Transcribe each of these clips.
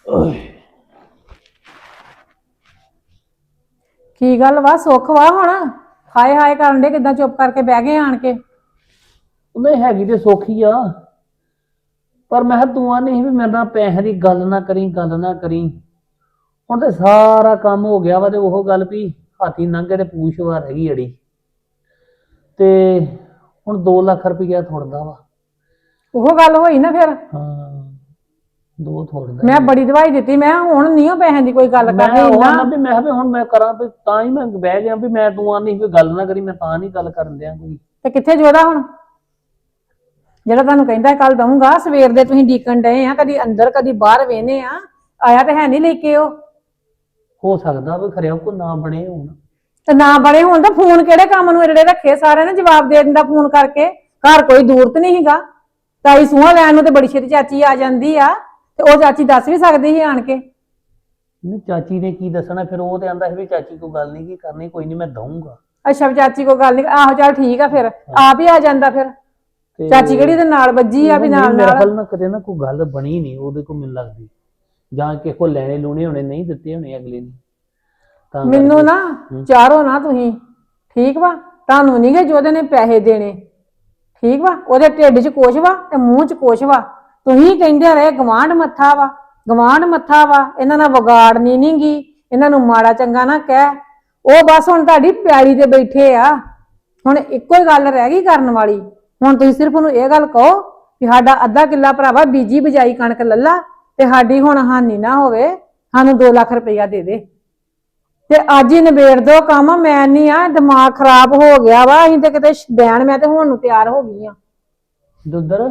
ਕੀ ਗੱਲ ਵਾ ਸੁੱਖ ਵਾ ਹੁਣ ਹਾਏ ਹਾਏ ਕਰਨ ਦੇ ਕਿਦਾਂ ਚੁੱਪ ਕਰਕੇ ਬਹਿ ਗਏ ਆਣ ਕੇ। ਨਹੀਂ ਹੈਗੀ ਤੇ ਸੌਖੀ ਆ ਪਰ ਮੈਂ ਕਿਹਾ ਤੂੰ ਆ ਨਹੀਂ ਵੀ ਮੇਰੇ ਨਾਲ ਪੈਸੇ ਦੀ ਗੱਲ ਨਾ ਕਰੀ ਹੁਣ ਤੇ ਸਾਰਾ ਕੰਮ ਹੋ ਗਿਆ ਵਾ ਤੇ ਉਹ ਗੱਲ ਵੀ ਹਾਥੀ ਲੰਘੇ ਤੇ ਪੂਛ ਵਾਰ ਹੈਗੀ ਅੜੀ ਤੇ ਹੁਣ 2 ਲੱਖ ਰੁਪਈਆ ਥੋੜਦਾ ਵਾ। ਉਹ ਗੱਲ ਹੋਈ ਨਾ ਫਿਰ ਹਾਂ 2 ਥੋੜਦਾ ਮੈਂ ਬੜੀ ਦਵਾਈ ਦਿੱਤੀ ਮੈਂ ਹੁਣ ਨਹੀਂ ਉਹ ਪੈਸਿਆਂ ਦੀ ਕੋਈ ਗੱਲ ਕਰਨੀ ਇੰਨਾ ਵੀ ਮੈਂ ਵੀ ਹੁਣ ਮੈਂ ਕਰਾਂ ਵੀ ਤਾਂ ਹੀ ਮੈਂ ਬਹਿ ਗਿਆ ਵੀ ਮੈਂ ਤੂੰ ਆ ਨਹੀਂ ਵੀ ਗੱਲ ਨਾ ਕਰੀ ਮੈਂ ਤਾਂ ਨਹੀਂ ਗੱਲ ਕਰਨ ਦਿਆਂ ਕੋਈ। ਤੇ ਕਿੱਥੇ ਜੋਦਾ ਹੁਣ ਜਿਹੜਾ ਤੁਹਾਨੂੰ ਕਹਿੰਦਾ ਕੱਲ ਦਊਂਗਾ ਸਵੇਰ ਦੇ ਤੁਸੀਂ ਡੀਕਣ ਡਏ ਆ ਕਦੀ ਅੰਦਰ ਕਦੀ ਬਾਹਰ ਵੇਹਨੇ ਆ ਆਇਆ ਤੇ ਹੈ ਨਹੀਂ ਲੈ ਕੇ ਉਹ। ਹੋ ਸਕਦਾ ਵੀ ਖਰਿਆ ਕੋ ਨਾ ਬਣੇ ਹੁਣ ਤੇ ਨਾ ਬਣੇ ਹੁਣ ਤਾਂ ਫੋਨ ਕਿਹੜੇ ਕੰਮ ਨੂੰ ਜਿਹੜੇ ਰੱਖੇ ਸਾਰਿਆਂ ਨੇ ਜਵਾਬ ਦੇ ਦਿੰਦਾ ਫੋਨ ਕਰਕੇ। ਘਰ ਕੋਈ ਦੂਰ ਤੇ ਨਹੀਂ ਹੈਗਾ ਤਾਈ ਸੂਹਾ ਲੈਣ ਨੂੰ ਤੇ ਬੜੀ ਛੇਤੀ ਚਾਚੀ ਆ ਜਾਂਦੀ ਆ ਤੇ ਉਹ ਚਾਚੀ ਦੱਸ ਵੀ ਸਕਦੀ ਸੀ ਆਣ ਕੇ। ਨਹੀਂ ਚਾਚੀ ਨੇ ਕੀ ਦੱਸਣਾ ਫਿਰ ਉਹ ਤੇ ਆਂਦਾ ਸੀ ਵੀ ਚਾਚੀ ਕੋਈ ਗੱਲ ਨਹੀਂ ਕੀ ਕਰਨੀ ਕੋਈ ਨਹੀਂ ਮੈਂ ਦਊਂਗਾ। ਅੱਛਾ ਚਾਚੀ ਕੋਈ ਗੱਲ ਨਹੀਂ ਆਹੋ ਚੱਲ ਠੀਕ ਆ ਫਿਰ ਆਪ ਹੀ ਆ ਜਾਂਦਾ ਫਿਰ ਚਾਚੀ ਕਿਹੜੀ ਦੇ ਨਾਲ ਵੱਜੀ ਆ ਵੀ ਨਾਲ ਮੇਰੇ ਨਾਲ ਖਿਆਲ ਨਾਲ ਕਦੇ ਨਾ ਕੋਈ ਗੱਲ ਬਣੀ ਨਹੀਂ ਉਹਦੇ ਕੋਲ ਮੈਨੂੰ ਲੱਗਦੀ ਜਾਂ ਕਿਸੇ ਕੋ ਲੈਣੇ ਲੂਣੇ ਹੋਣੇ ਨਹੀਂ ਦਿੱਤੇ ਹੋਣੇ ਅਗਲੇ ਨੇ ਤਾਂ ਮੈਨੂੰ ਨਾ ਚਾਰੋ ਨਾ ਤੁਸੀਂ ਠੀਕ ਵਾ ਤੁਹਾਨੂੰ ਨਹੀਂ ਗੇ ਜੋਦੇ ਨੇ ਪੈਸੇ ਦੇਣੇ ਠੀਕ ਵਾ ਉਹਦੇ ਢਿੱਡ 'ਚ ਕੁਛ ਵਾ ਤੇ ਮੂੰਹ 'ਚ ਕੁਛ ਵਾ ਤੁਸੀਂ ਕਹਿੰਦੇ ਰਹੇ ਗਵਾਂਢ ਮੱਥਾ ਵਾ ਇਹਨਾਂ ਨਾਲ ਵਿਗਾੜਨੀ ਨੀ ਗੀ ਇਹਨਾਂ ਨੂੰ ਮਾੜਾ ਚੰਗਾ ਨਾ ਕਹਿ ਉਹ ਬਸ ਹੁਣ ਤੁਹਾਡੀ ਪਿਆਲੀ ਤੇ ਬੈਠੇ ਆ ਹੁਣ ਇੱਕੋ ਹੀ ਗੱਲ ਰਹਿ ਗਈ ਕਰਨ ਵਾਲੀ। ਹੁਣ ਤੁਸੀਂ ਸਿਰਫ ਉਹਨੂੰ ਇਹ ਗੱਲ ਕਹੋ ਕਿ ਸਾਡਾ ਅੱਧਾ ਕਿੱਲਾ ਭਰਾਵਾ ਬੀਜੀ ਬਜਾਈ ਕਣਕ ਲੱਲਾ ਤੇ ਸਾਡੀ ਹੁਣ ਹਾਨੀ ਨਾ ਹੋਵੇ ਸਾਨੂੰ 2 ਲੱਖ ਰੁਪਈਆ ਦੇ ਦੇ ਤੇ ਅੱਜ ਹੀ ਨਿਬੇੜ ਦੋ ਕੰਮ। ਮੈਂ ਨਹੀਂ ਆ ਦਿਮਾਗ ਖਰਾਬ ਹੋ ਗਿਆ ਵਾ ਅਸੀਂ ਤੇ ਕਿਤੇ ਬੈਣ ਮੈਂ ਤੇ ਹੁਣ ਨੂੰ ਤਿਆਰ ਹੋ ਗਈ ਆ। ਦੁੱਧਰ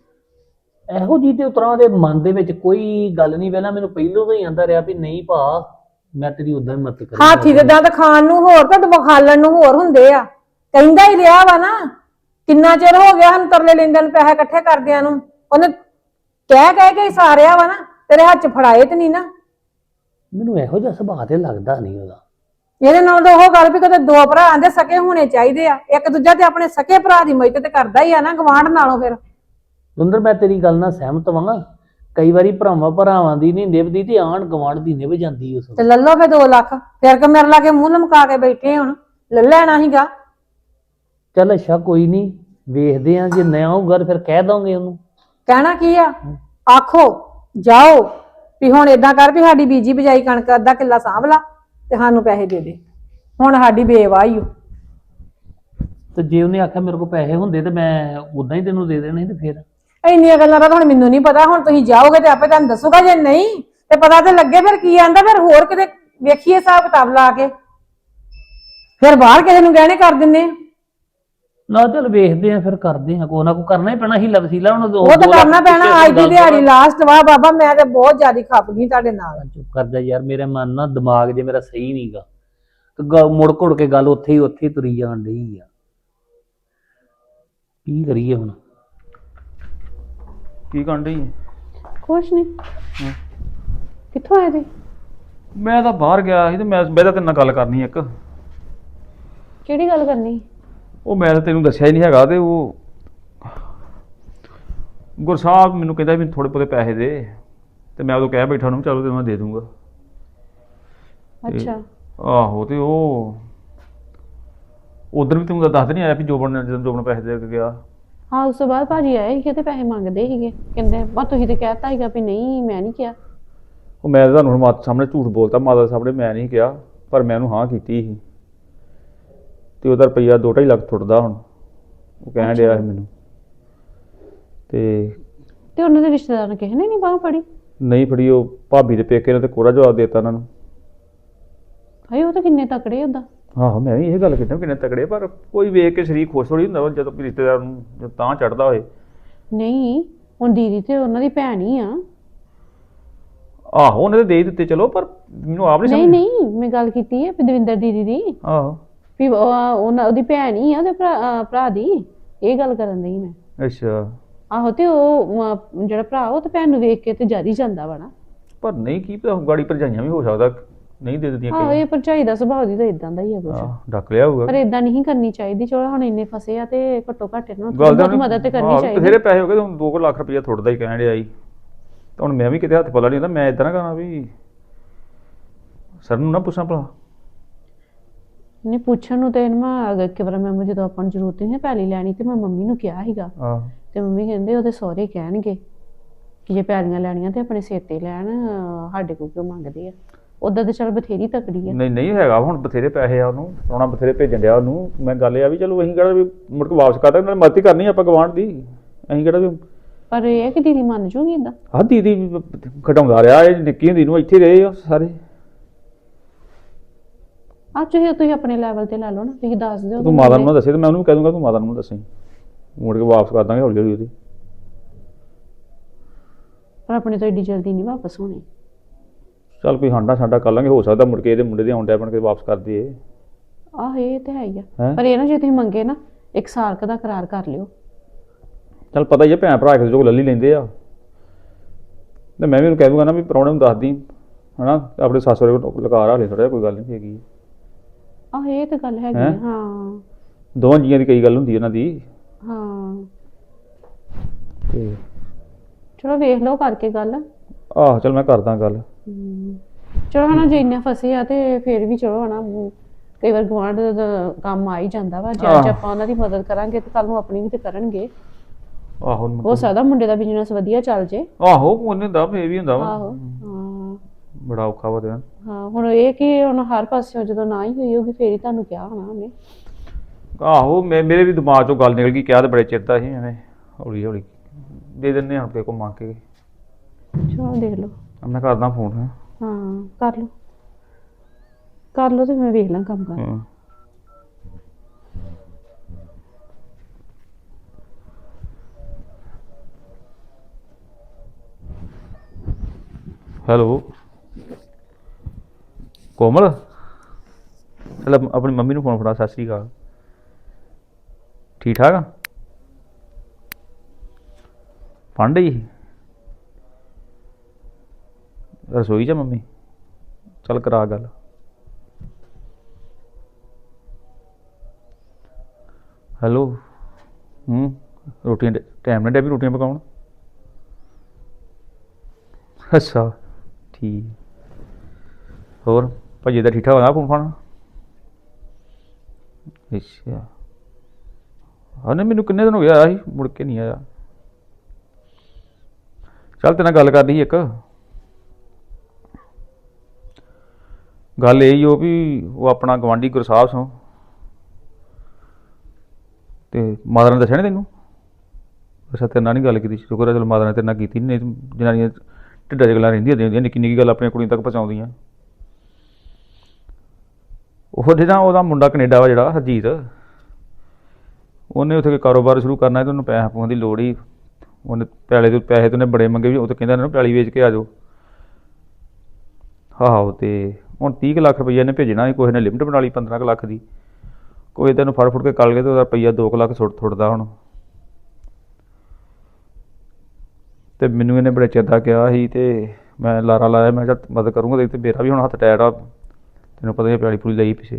ਇਹੋ ਜੀ ਤੇ ਉਤਰਾਂ ਦੇ ਮਨ ਦੇ ਵਿੱਚ ਕੋਈ ਗੱਲ ਨਹੀਂ ਪਹਿਲਾਂ ਮੈਨੂੰ ਪਹਿਲੋਂ ਤੋਂ ਹੀ ਆਂਦਾ ਰਿਹਾ ਵੀ ਨਹੀਂ ਭਾ ਮੈਂ ਤੇਰੀ ਉਦਾਂ ਹੀ ਮਦਦ ਕਰੀ। ਹਾਥੀ ਦੇ ਦੰਦ ਖਾਣ ਨੂੰ ਹੋਰ ਤੇ ਵਿਖਾਲਣ ਨੂੰ ਹੋਰ ਹੁੰਦੇ ਆ ਕਹਿੰਦਾ ਹੀ ਰਿਹਾ ਵਾ ਨਾ ਕਿੰਨਾ ਚਿਰ ਹੋ ਗਿਆ ਹਨ ਤਰਲੇ ਲੈਂਦਿਆਂ ਨੂੰ ਪੈਸੇ ਇਕੱਠੇ ਕਰਦਿਆਂ ਨੂੰ ਉਹਨੇ ਕਹਿ ਕੇ ਸਾਰਿਆ ਵਾ ਨਾ ਤੇਰੇ ਹੱਥ 'ਚ ਫੜਾਏ ਤੇ ਨਹੀਂ ਨਾ। ਮੈਨੂੰ ਇਹੋ ਜਿਹਾ ਸੁਭਾਅ ਤੇ ਲੱਗਦਾ ਨਹੀਂ ਉਹਦਾ। ਇਹਦੇ ਨਾਲ ਤਾਂ ਉਹ ਗੱਲ ਵੀ ਕਦੇ 2 ਭਰਾ ਆਂਦੇ ਸਕੇ ਹੋਣੇ ਚਾਹੀਦੇ ਆ ਇੱਕ ਦੂਜਾ ਤੇ ਆਪਣੇ ਸਕੇ ਭਰਾ ਦੀ ਮਦਦ ਤੇ ਕਰਦਾ ਹੀ ਆ ਨਾ ਗਵਾਂਢ ਨਾਲੋਂ। ਫਿਰ ਦੁੰਦਰ ਮੈਂ ਤੇਰੀ ਗੱਲ ਨਾਲ ਸਹਿਮਤ ਵਾਂ ਕਈ ਵਾਰੀ ਭਰਾਵਾਂ ਦੀ ਨਹੀਂ ਨਿਭਦੀ ਤੇ ਆਂਢ ਗਵਾਂਢ ਦੀ ਨਿਭ ਜਾਂਦੀ ਉਸ ਤੇ ਲੱਲੋ ਫੇ 2 ਲੱਖ ਫਿਰ ਕਿ ਮੇਰੇ ਲਾਗੇ ਮੂੰਹ ਲਮਕਾ ਕੇ ਬੈਠੇ ਹੁਣ ਲੈ ਲੈਣਾ ਸੀਗਾ। ਚੱਲ ਅੱਛਾ ਕੋਈ ਨਹੀਂ ਵੇਖਦੇ ਆ ਜੇ ਨਾ ਆਊਗਾ ਫਿਰ ਕਹਿ ਦਾਂਗੇ ਉਹਨੂੰ। ਕਹਿਣਾ ਕੀ ਆ ਆਖੋ ਜਾਓ ਵੀ ਹੁਣ ਏਦਾਂ ਕਰ ਵੀ ਸਾਡੀ ਬੀਜੀ ਬਜਾਈ ਕਣਕ ਅੱਧਾ ਕਿੱਲਾ ਸਾਂਭ ਲਾ ਤੇ ਸਾਨੂੰ ਪੈਸੇ ਦੇ ਦੇ ਹੁਣ ਸਾਡੀ ਬੇਵਾਹੀ ਓ। ਤੇ ਜੇ ਉਹਨੇ ਆਖਿਆ ਮੇਰੇ ਕੋਲ ਪੈਸੇ ਹੁੰਦੇ ਤੇ ਮੈਂ ਉਦਾਂ ਹੀ ਤੈਨੂੰ ਦੇ ਦੇਣੇ ਤੇ ਫਿਰ ਇੰਨੀਆਂ ਗੱਲਾਂ ਦਾ ਹੁਣ ਮੈਨੂੰ ਨਹੀਂ ਪਤਾ। ਹੁਣ ਤੁਸੀਂ ਜਾਓਗੇ ਤੇ ਆਪੇ ਤੁਹਾਨੂੰ ਦੱਸੂਗਾ ਜੇ ਨਹੀਂ ਤੇ ਪਤਾ ਤੇ ਲੱਗੇ ਫਿਰ ਕੀ ਆਂਦਾ ਫਿਰ ਹੋਰ ਕਿਤੇ ਵੇਖੀਏ ਹਿਸਾਬ ਕਿਤਾਬ ਲਾ ਕੇ ਫਿਰ ਬਾਹਰ ਕਿਸੇ ਨੂੰ ਗਹਿਣੇ ਕਰ ਦਿੰਨੇ ਆ। ਨਾ ਚੱਲ ਵੇਖਦੇ ਆ ਫਿਰ ਕਰਦੇ ਆ ਕੋਈ ਨਾ ਕੋਈ ਕਰਨਾ ਹੀ ਪੈਣਾ ਹੀ ਲਵਸੀਲਾ ਹੁਣ ਉਹ ਤਾਂ ਕਰਨਾ ਪੈਣਾ ਅੱਜ ਦੀ ਦਿਹਾੜੀ ਲਾਸਟ ਵਾ ਬਾਬਾ ਮੈਂ ਤੇ ਬਹੁਤ ਜ਼ਿਆਦਾ ਖੱਪ ਗਈ ਤੁਹਾਡੇ ਨਾਲ। ਚੁੱਪ ਕਰ ਜਾ ਯਾਰ ਮੇਰੇ ਮਨ ਨਾਲ ਦਿਮਾਗ ਜੇ ਮੇਰਾ ਸਹੀ ਨਹੀਂਗਾ ਤੇ ਮੁੜ ਘੁੜ ਕੇ ਗੱਲ ਉੱਥੇ ਹੀ ਤੁਰੀ ਜਾਣ ਡਈ ਆ। ਕੀ ਕਰੀਏ ਹੁਣ ਕੀ ਕਰਨ ਡਈ ਕੁਛ ਨਹੀਂ ਕਿੱਥੋਂ ਆਏ ਤੁਸੀਂ? ਮੈਂ ਤਾਂ ਬਾਹਰ ਗਿਆ ਸੀ ਤੇ ਮੈਂ ਤਾਂ ਤੇਰੇ ਨਾਲ ਗੱਲ ਕਰਨੀ ਇੱਕ। ਕਿਹੜੀ ਗੱਲ ਕਰਨੀ? ਉਹ ਮੈਂ ਤਾਂ ਤੈਨੂੰ ਦੱਸਿਆ ਹੀ ਨਹੀਂ ਹੈਗਾ ਤੇ ਉਹ ਗੁਰਸਾਹਿਬ ਮੈਨੂੰ ਕਹਿੰਦਾ ਵੀ ਥੋੜੇ ਬਹੁਤੇ ਪੈਸੇ ਦੇ ਤੇ ਮੈਂ ਉਦੋਂ ਕਹਿ ਬੈਠਾ ਉਹਨੂੰ ਚਲੋ ਤੈਨੂੰ ਮੈਂ ਦੇ ਦੂੰਗਾ। ਅੱਛਾ ਆਹੋ ਤੇ ਉਹ ਉਧਰ ਵੀ ਤੈਨੂੰ ਦੱਸ ਨਹੀਂ ਆਇਆ ਵੀ ਜੋਬਨ ਪੈਸੇ ਦੇ ਕੇ ਗਿਆ। ਹਾਂ ਉਸ ਤੋਂ ਬਾਅਦ ਭਾਜੀ ਆਏ ਸੀ ਤੇ ਪੈਸੇ ਮੰਗਦੇ ਸੀਗੇ ਕਹਿੰਦੇ ਬਸ ਤੁਸੀਂ ਤੇ ਕਹਿਤਾ ਸੀਗਾ ਵੀ ਨਹੀਂ ਮੈਂ ਨਹੀਂ ਕਿਹਾ। ਉਹ ਮੈਂ ਤੁਹਾਨੂੰ ਹੁਣ ਮਾਤਾ ਸਾਹਮਣੇ ਝੂਠ ਬੋਲਤਾ ਮਾਤਾ ਸਾਹਮਣੇ ਮੈਂ ਨਹੀਂ ਕਿਹਾ ਪਰ ਮੈਂ ਉਹਨੂੰ ਹਾਂ ਕੀਤੀ ਸੀ ਤੇ ਉਹਦਾ ਰੁਪਈਆ 2-2.5 ਲੱਖ ਟੁੱਟਦਾ ਹੁਣ ਉਹ ਕਹਿਣ ਡਿਆ ਸੀ ਮੈਨੂੰ ਤੇ ਉਹਨਾਂ ਦੇ ਰਿਸ਼ਤੇਦਾਰ ਨੇ ਕਿਸੇ ਨੇ ਨਹੀਂ ਬਾਂਹ ਫੜੀ? ਨਹੀਂ ਫੜੀ ਉਹ ਭਾਬੀ ਦੇ ਪੇਕੇ ਨੇ ਤੇ ਕੋਰਾ ਜਵਾਬ ਦੇਤਾ ਉਹਨਾਂ ਨੂੰ। ਹਾਏ ਉਹ ਤਾਂ ਕਿੰਨੇ ਤਕੜੇ ਹੁੰਦਾ। ਆਹੋ ਮੈਂ ਵੀ ਇਹ ਗੱਲ ਕੀਤਾ ਕਿੰਨੇ ਤਕੜੇ ਪਰ ਕੋਈ ਵੇਖ ਕੇ ਸ਼ਰੀਕ ਖੁਸ਼ ਥੋੜੀ ਹੁੰਦਾ ਜਦੋਂ ਰਿਸ਼ਤੇਦਾਰ ਨੂੰ ਤਾਂ ਚੜਦਾ ਹੋਏ। ਨਹੀਂ ਹੁਣ ਦੀਦੀ ਤੇ ਉਹਨਾਂ ਦੀ ਭੈਣ ਹੀ ਆ। ਆਹੋ ਉਹਨੇ ਤਾਂ ਦੇ ਹੀ ਦਿੱਤੇ ਚਲੋ ਪਰ ਮੈਨੂੰ ਆਪ ਨਹੀਂ ਨਹੀਂ ਮੈਂ ਗੱਲ ਕੀਤੀ ਹੈ ਦਵਿੰਦਰ ਦੀਦੀ ਦੀ। ਆਹੋ ਵੀ ਉਹਦੀ ਭੈਣ ਹੀ ਆ ਉਹਦੇ ਭਰਾ ਦੀ ਇਹ ਗੱਲ ਕਰਨ ਦੀ ਮੈਂ। ਅੱਛਾ ਆਹੋ ਤੇ ਉਹ ਜਿਹੜਾ ਭਰਾ ਉਹ ਤੇ ਭੈਣ ਨੂੰ ਵੇਖ ਕੇ ਤੇ ਜਰ ਹੀ ਜਾਂਦਾ ਵਾ ਨਾ। ਪਰ ਨਹੀਂ ਕੀ ਪਤਾ ਗਾੜੀ ਭਰਜਾਈਆਂ ਵੀ ਹੋ ਸਕਦਾ ਨਹੀਂ ਦੇ ਦਿੰਦੀਆਂ। ਆਹੋ ਇਹ ਭਰਜਾਈ ਦਾ ਸੁਭਾਅ ਦੀ ਤਾਂ ਇਦਾਂ ਦਾ ਹੀ ਆ ਕੁਛ। ਡੱਕ ਲਿਆ ਹੋਊਗਾ ਪਰ ਇਦਾਂ ਨਹੀਂ ਕਰਨੀ ਚਾਹੀਦੀ। ਚਲੋ ਹੁਣ ਇੰਨੇ ਫਸੇ ਆ ਤੇ ਘੱਟੋ ਘੱਟ ਇਹਨਾਂ ਨੂੰ ਮਦਦ ਤੇ ਕਰਨੀ ਚਾਹੀਦੀ। ਬਥੇਰੇ ਪੈਸੇ ਹੋ ਗਏ 2 ਲੱਖ ਰੁਪਈਆ ਥੋੜਦਾ ਹੀ ਕਹਿਣ ਡਿਆ ਸੀ। ਤਾਂ ਹੁਣ ਮੈਂ ਵੀ ਕਿਤੇ ਹੱਥ ਪੱਲਾ ਨਹੀਂ ਹੁੰਦਾ, ਮੈਂ ਇਦਾਂ ਨਾ ਕਰਾਂ ਵੀ ਸਰ ਨੂੰ ਨਾ ਪੁੱਛਾਂ ਭਲਾ। ਨਹੀਂ ਪੁੱਛਣ ਨੂੰ ਤੇ ਮੈਂ ਅਗਰ ਕਿ ਵਾਰ ਮੈਂ ਜਦੋਂ ਆਪਾਂ ਨੂੰ ਜ਼ਰੂਰਤ ਨਹੀਂ ਪੈਲੀ ਲੈਣੀ ਤੇ ਮੈਂ ਮੰਮੀ ਨੂੰ ਕਿਹਾ ਸੀਗਾ ਆਹ ਤੇ ਮੰਮੀ ਕਹਿੰਦੇ ਉਹਦੇ ਸਹੁਰੇ ਕਹਿਣਗੇ ਕਿ ਜੇ ਪੈਲੀਆਂ ਲੈਣੀਆਂ ਤੇ ਆਪਣੇ ਸਿਰ ਤੇ ਲੈਣ, ਸਾਡੇ ਕੋਲ ਕਿਉਂ ਮੰਗਦੇ ਆ। ਉਦਾਂ ਤੇ ਚੱਲ ਬਥੇਰੀ ਤਕੜੀ ਆ। ਨਹੀਂ ਨਹੀਂ ਹੈਗਾ, ਹੁਣ ਬਥੇਰੇ ਪੈਸੇ ਆ ਉਹਨੂੰ, ਸੋਨਾ ਬਥੇਰੇ ਭੇਜਣ ਡਿਆ ਉਹਨੂੰ। ਮੈਂ ਗੱਲ ਇਹ ਆ ਵੀ ਚਲੋ ਅਸੀਂ ਕਿਹੜਾ ਵੀ ਮੁੜ ਕੇ ਵਾਪਸ ਕਰਦਾ, ਨਾਲ ਮਦਦ ਕਰਨੀ ਆਪਾਂ ਗਵਾਂਢ ਦੀ, ਅਸੀਂ ਕਿਹੜਾ ਵੀ। ਪਰ ਇਹ ਹੈ ਕਿ ਦੀਦੀ ਮੰਨ ਜੂਗੀ ਏਦਾਂ? ਆਹ ਦੀਦੀ ਘਟਾਉਂਦਾ ਰਿਹਾ, ਇਹ ਨਿੱਕੀ ਹੁੰਦੀ ਨੂੰ ਇੱਥੇ ਰਹੇ ਆ ਸਾਰੇ। ਤੁਸੀਂ ਆਪਣੇ ਲੈਵਲ ਤੇ ਲੈ ਲਓ ਨਾ, ਤੁਸੀਂ ਦੱਸ ਦਿਓ। ਤੂੰ ਮਾਤਾ ਨੂੰ ਨਾ ਦੱਸੇ ਤੇ ਮੈਂ ਉਹਨੂੰ ਵੀ ਕਹਿ ਦੂੰਗਾ ਤੂੰ ਮਾਤਾ ਨੂੰ ਦੱਸੀ, ਮੁੜ ਕੇ ਵਾਪਸ ਕਰ ਦਾਂਗੇ ਹੌਲੀ ਹੌਲੀ ਉਹਦੀ। ਪਰ ਆਪਣੇ ਤੋਂ ਏਡੀ ਜਲਦੀ ਨਹੀਂ ਵਾਪਸ ਹੋਣੀ। ਚੱਲ ਕੋਈ ਹਾਂਡਾ ਸਾਡਾ ਕਰ ਲਾਂਗੇ, ਹੋ ਸਕਦਾ ਮੁੜ ਕੇ ਇਹਦੇ ਮੁੰਡੇ ਦੇ ਆਉਂਦੇ ਬਣ ਕੇ ਵਾਪਸ ਕਰ ਦਈਏ। ਆਹ ਇਹ ਤੇ ਹੈ ਹੀ ਆ, ਹੈਂ? ਪਰ ਇਹ ਨਾ ਜੇ ਤੁਸੀਂ ਮੰਗੇ ਨਾ 1 ਸਾਲ ਦਾ ਕਰਾਰ ਕਰ ਲਿਓ। ਚੱਲ ਪਤਾ ਹੀ ਹੈ ਭੈਣ ਭਰਾ ਇੱਕ ਜੋ ਲੱਲੀ ਲੈਂਦੇ ਆ, ਤੇ ਮੈਂ ਵੀ ਉਹਨੂੰ ਕਹਿ ਦੂੰਗਾ ਨਾ ਵੀ ਪ੍ਰਾਹੁਣੇ ਨੂੰ ਦੱਸ ਦੀ ਹਨਾ, ਆਪਣੇ ਸੱਸ ਸਹੁਰੇ ਕੋਲ ਲਗਾ ਰਾ ਲੈ ਥੋੜਾ ਜਿਹਾ, ਕੋਈ ਗੱਲ ਨਹੀਂ ਹੈਗੀ। ਆਹ ਇਹ ਤੇ ਗੱਲ ਹੈਗੀ ਆ, ਹਾਂ ਦੋਵਾਂ ਜੀਆਂ ਦੀ ਕਈ ਗੱਲ ਹੁੰਦੀ ਉਹਨਾਂ ਦੀ। ਹਾਂ ਤੇ ਚਲੋ ਵੇਖ ਲਓ ਕਰਕੇ ਗੱਲ। ਆਹੋ ਚੱਲ ਮੈਂ ਕਰਦਾ ਗੱਲ। ਚਲੋ ਹਨਾ ਜੇ ਇੰਨਾ ਫਸੇ ਆ ਤੇ ਫਿਰ ਵੀ ਚਲੋ ਹਨਾ ਕਈ ਵਾਰ ਗੁਆਂਢ ਦਾ ਕੰਮ ਆ ਹੀ ਜਾਂਦਾ ਵਾ। ਜੇ ਅੱਜ ਆਪਾਂ ਉਹਨਾਂ ਦੀ ਮਦਦ ਕਰਾਂਗੇ ਤੇ ਕੱਲ ਨੂੰ ਆਪਣੀ ਵੀ ਤੇ ਕਰਨਗੇ। ਆਹੋ ਹੋ ਸਕਦਾ ਮੁੰਡੇ ਦਾ ਬਿਜ਼ਨਸ ਵਧੀਆ ਚੱਲ ਜੇ। ਆਹੋ ਉਹਨੇ ਹੁੰਦਾ ਫੇਰ ਵੀ ਹੁੰਦਾ ਵਾ। ਆਹੋ ਹਾਂ ਬੜਾ ਔਖਾ ਵਾ ਤੇ। ਹਾਂ ਹੁਣ ਇਹ ਕਿ ਹੁਣ ਹਰ ਪਾਸਿਓਂ ਜਦੋਂ ਨਾ ਹੀ ਹੋਈ ਹੋਗੀ ਫੇਰ ਹੀ ਤੁਹਾਨੂੰ ਕਿਹਾ ਹੋਣਾ ਉਹਨੇ। ਆਹੋ ਮੇਰੇ ਵੀ ਦਿਮਾਗ ਚੋਂ ਗੱਲ ਨਿਕਲ ਗਈ, ਕਿਹਾ ਤੇ ਬੜੇ ਚਿਰ ਦਾ ਸੀ ਐਵੇਂ, ਹੌਲੀ ਹੌਲੀ ਦੇ ਦਿੰਦੇ ਹਾਂ ਕਿਸੇ ਕੋਲ ਮੰਗ ਕੇ। ਚਲੋ ਦੇਖ ਲਓ। ਮੈਂ ਕਰਦਾ ਫੋਨ। ਹਾਂ ਕਰ ਲਓ ਤੇ ਮੈਂ ਵੇਖ ਲਾਂ ਕੰਮ ਕਰ। ਹੈਲੋ ਕੋਮਲ, ਚੱਲ ਆਪਣੀ ਮੰਮੀ ਨੂੰ ਫੋਨ ਫੜਾ। ਸਤਿ ਸ਼੍ਰੀ ਅਕਾਲ, ਠੀਕ ਠਾਕ ਆ? ਫੰਡ ਹੀ ਰਸੋਈ 'ਚ ਮੰਮੀ, ਚੱਲ ਕਰਾ ਗੱਲ। ਹੈਲੋ ਰੋਟੀਆਂ ਟਾਈਮ ਨਾਲ ਡੈਬੀ ਰੋਟੀਆਂ ਪਕਾਉਣ? ਅੱਛਾ ਠੀਕ। ਹੋਰ ਭਾਜੀ ਦਾ ਠੀਕ ਠਾਕ ਹੋਇਆ ਫੋਨ ਫਾਨ? ਅੱਛਾ ਹਾਂ ਨਹੀਂ ਮੈਨੂੰ ਕਿੰਨੇ ਦਿਨ ਹੋ ਗਿਆ ਆਇਆ ਸੀ, ਮੁੜ ਕੇ ਨਹੀਂ ਆਇਆ। ਚੱਲ ਤੇਰੇ ਨਾਲ ਗੱਲ ਕਰਨੀ ਸੀ ਇੱਕ। ਗੱਲ ਇਹ ਹੀ ਉਹ ਵੀ ਉਹ ਆਪਣਾ ਗਵਾਂਢੀ ਗੁਰਸਾਹਿਬ ਸੋਂ ਤੇ ਮਾਤਾ ਨੇ ਦੱਸਿਆ ਨੀ ਤੈਨੂੰ? ਅੱਛਾ ਤੇਰੇ ਨਾਲ ਨਹੀਂ ਗੱਲ ਕੀਤੀ, ਸ਼ੁਕਰ ਹੈ ਚਲੋ ਮਾਤਾ ਨੇ ਤੇਰੇ ਨਾਲ ਕੀਤੀ। ਨਹੀਂ ਜਨਾਨੀਆਂ ਢਿੱਡਾਂ 'ਚ ਗੱਲਾਂ ਰਹਿੰਦੀਆਂ ਹੁੰਦੀਆਂ, ਨਿੱਕੀ ਨਿੱਕੀ ਗੱਲ ਆਪਣੀਆਂ ਕੁੜੀਆਂ ਤੱਕ ਪਹੁੰਚਾਉਂਦੀਆਂ। ਉਹ ਜਿਹੜਾ ਉਹਦਾ ਮੁੰਡਾ ਕੈਨੇਡਾ ਵਾ ਜਿਹੜਾ ਹਰਜੀਤ, ਉਹਨੇ ਉੱਥੇ ਕਾਰੋਬਾਰ ਸ਼ੁਰੂ ਕਰਨਾ ਤੇ ਉਹਨੂੰ ਪੈਸੇ ਪੂਸਿਆਂ ਦੀ ਲੋੜ ਹੀ। ਉਹਨੇ ਪੈਸੇ ਤੇ ਉਹਨੇ ਬੜੇ ਮੰਗੇ ਵੀ, ਉਹ ਤਾਂ ਕਹਿੰਦਾ ਨਾ ਪੈਲੀ ਵੇਚ ਕੇ ਆ ਜਾਓ। ਆਹੋ ਤੇ ਹੁਣ 30 ਕੁ ਲੱਖ ਰੁਪਈਆ ਇਹਨੇ ਭੇਜਣਾ ਸੀ, ਕਿਸੇ ਨੇ ਲਿਮਟ ਬਣਾ ਲਈ 15 ਕੁ ਲੱਖ ਦੀ। ਕੋਈ ਤੈਨੂੰ ਫੜ ਫੁੜ ਕੇ ਕੱਲ ਗਏ ਤੇ ਉਹਦਾ ਰੁਪਈਆ 2 ਕੁ ਲੱਖ ਥੁੱਟਦਾ ਹੁਣ। ਤੇ ਮੈਨੂੰ ਇਹਨੇ ਬੜੇ ਚਿਰ ਦਾ ਕਿਹਾ ਸੀ ਤੇ ਮੈਂ ਲਾਰਾ ਲਾਇਆ, ਮੈਂ ਕਿਹਾ ਮਦਦ ਕਰੂੰਗਾ। ਤੇ ਮੇਰਾ ਵੀ ਹੁਣ ਹੱਥ ਟੈਟ ਆ, ਤੈਨੂੰ ਪਤਾ ਹੀ ਪਿਆਲੀ ਪੂਲੀ ਲਈ ਪਿੱਛੇ।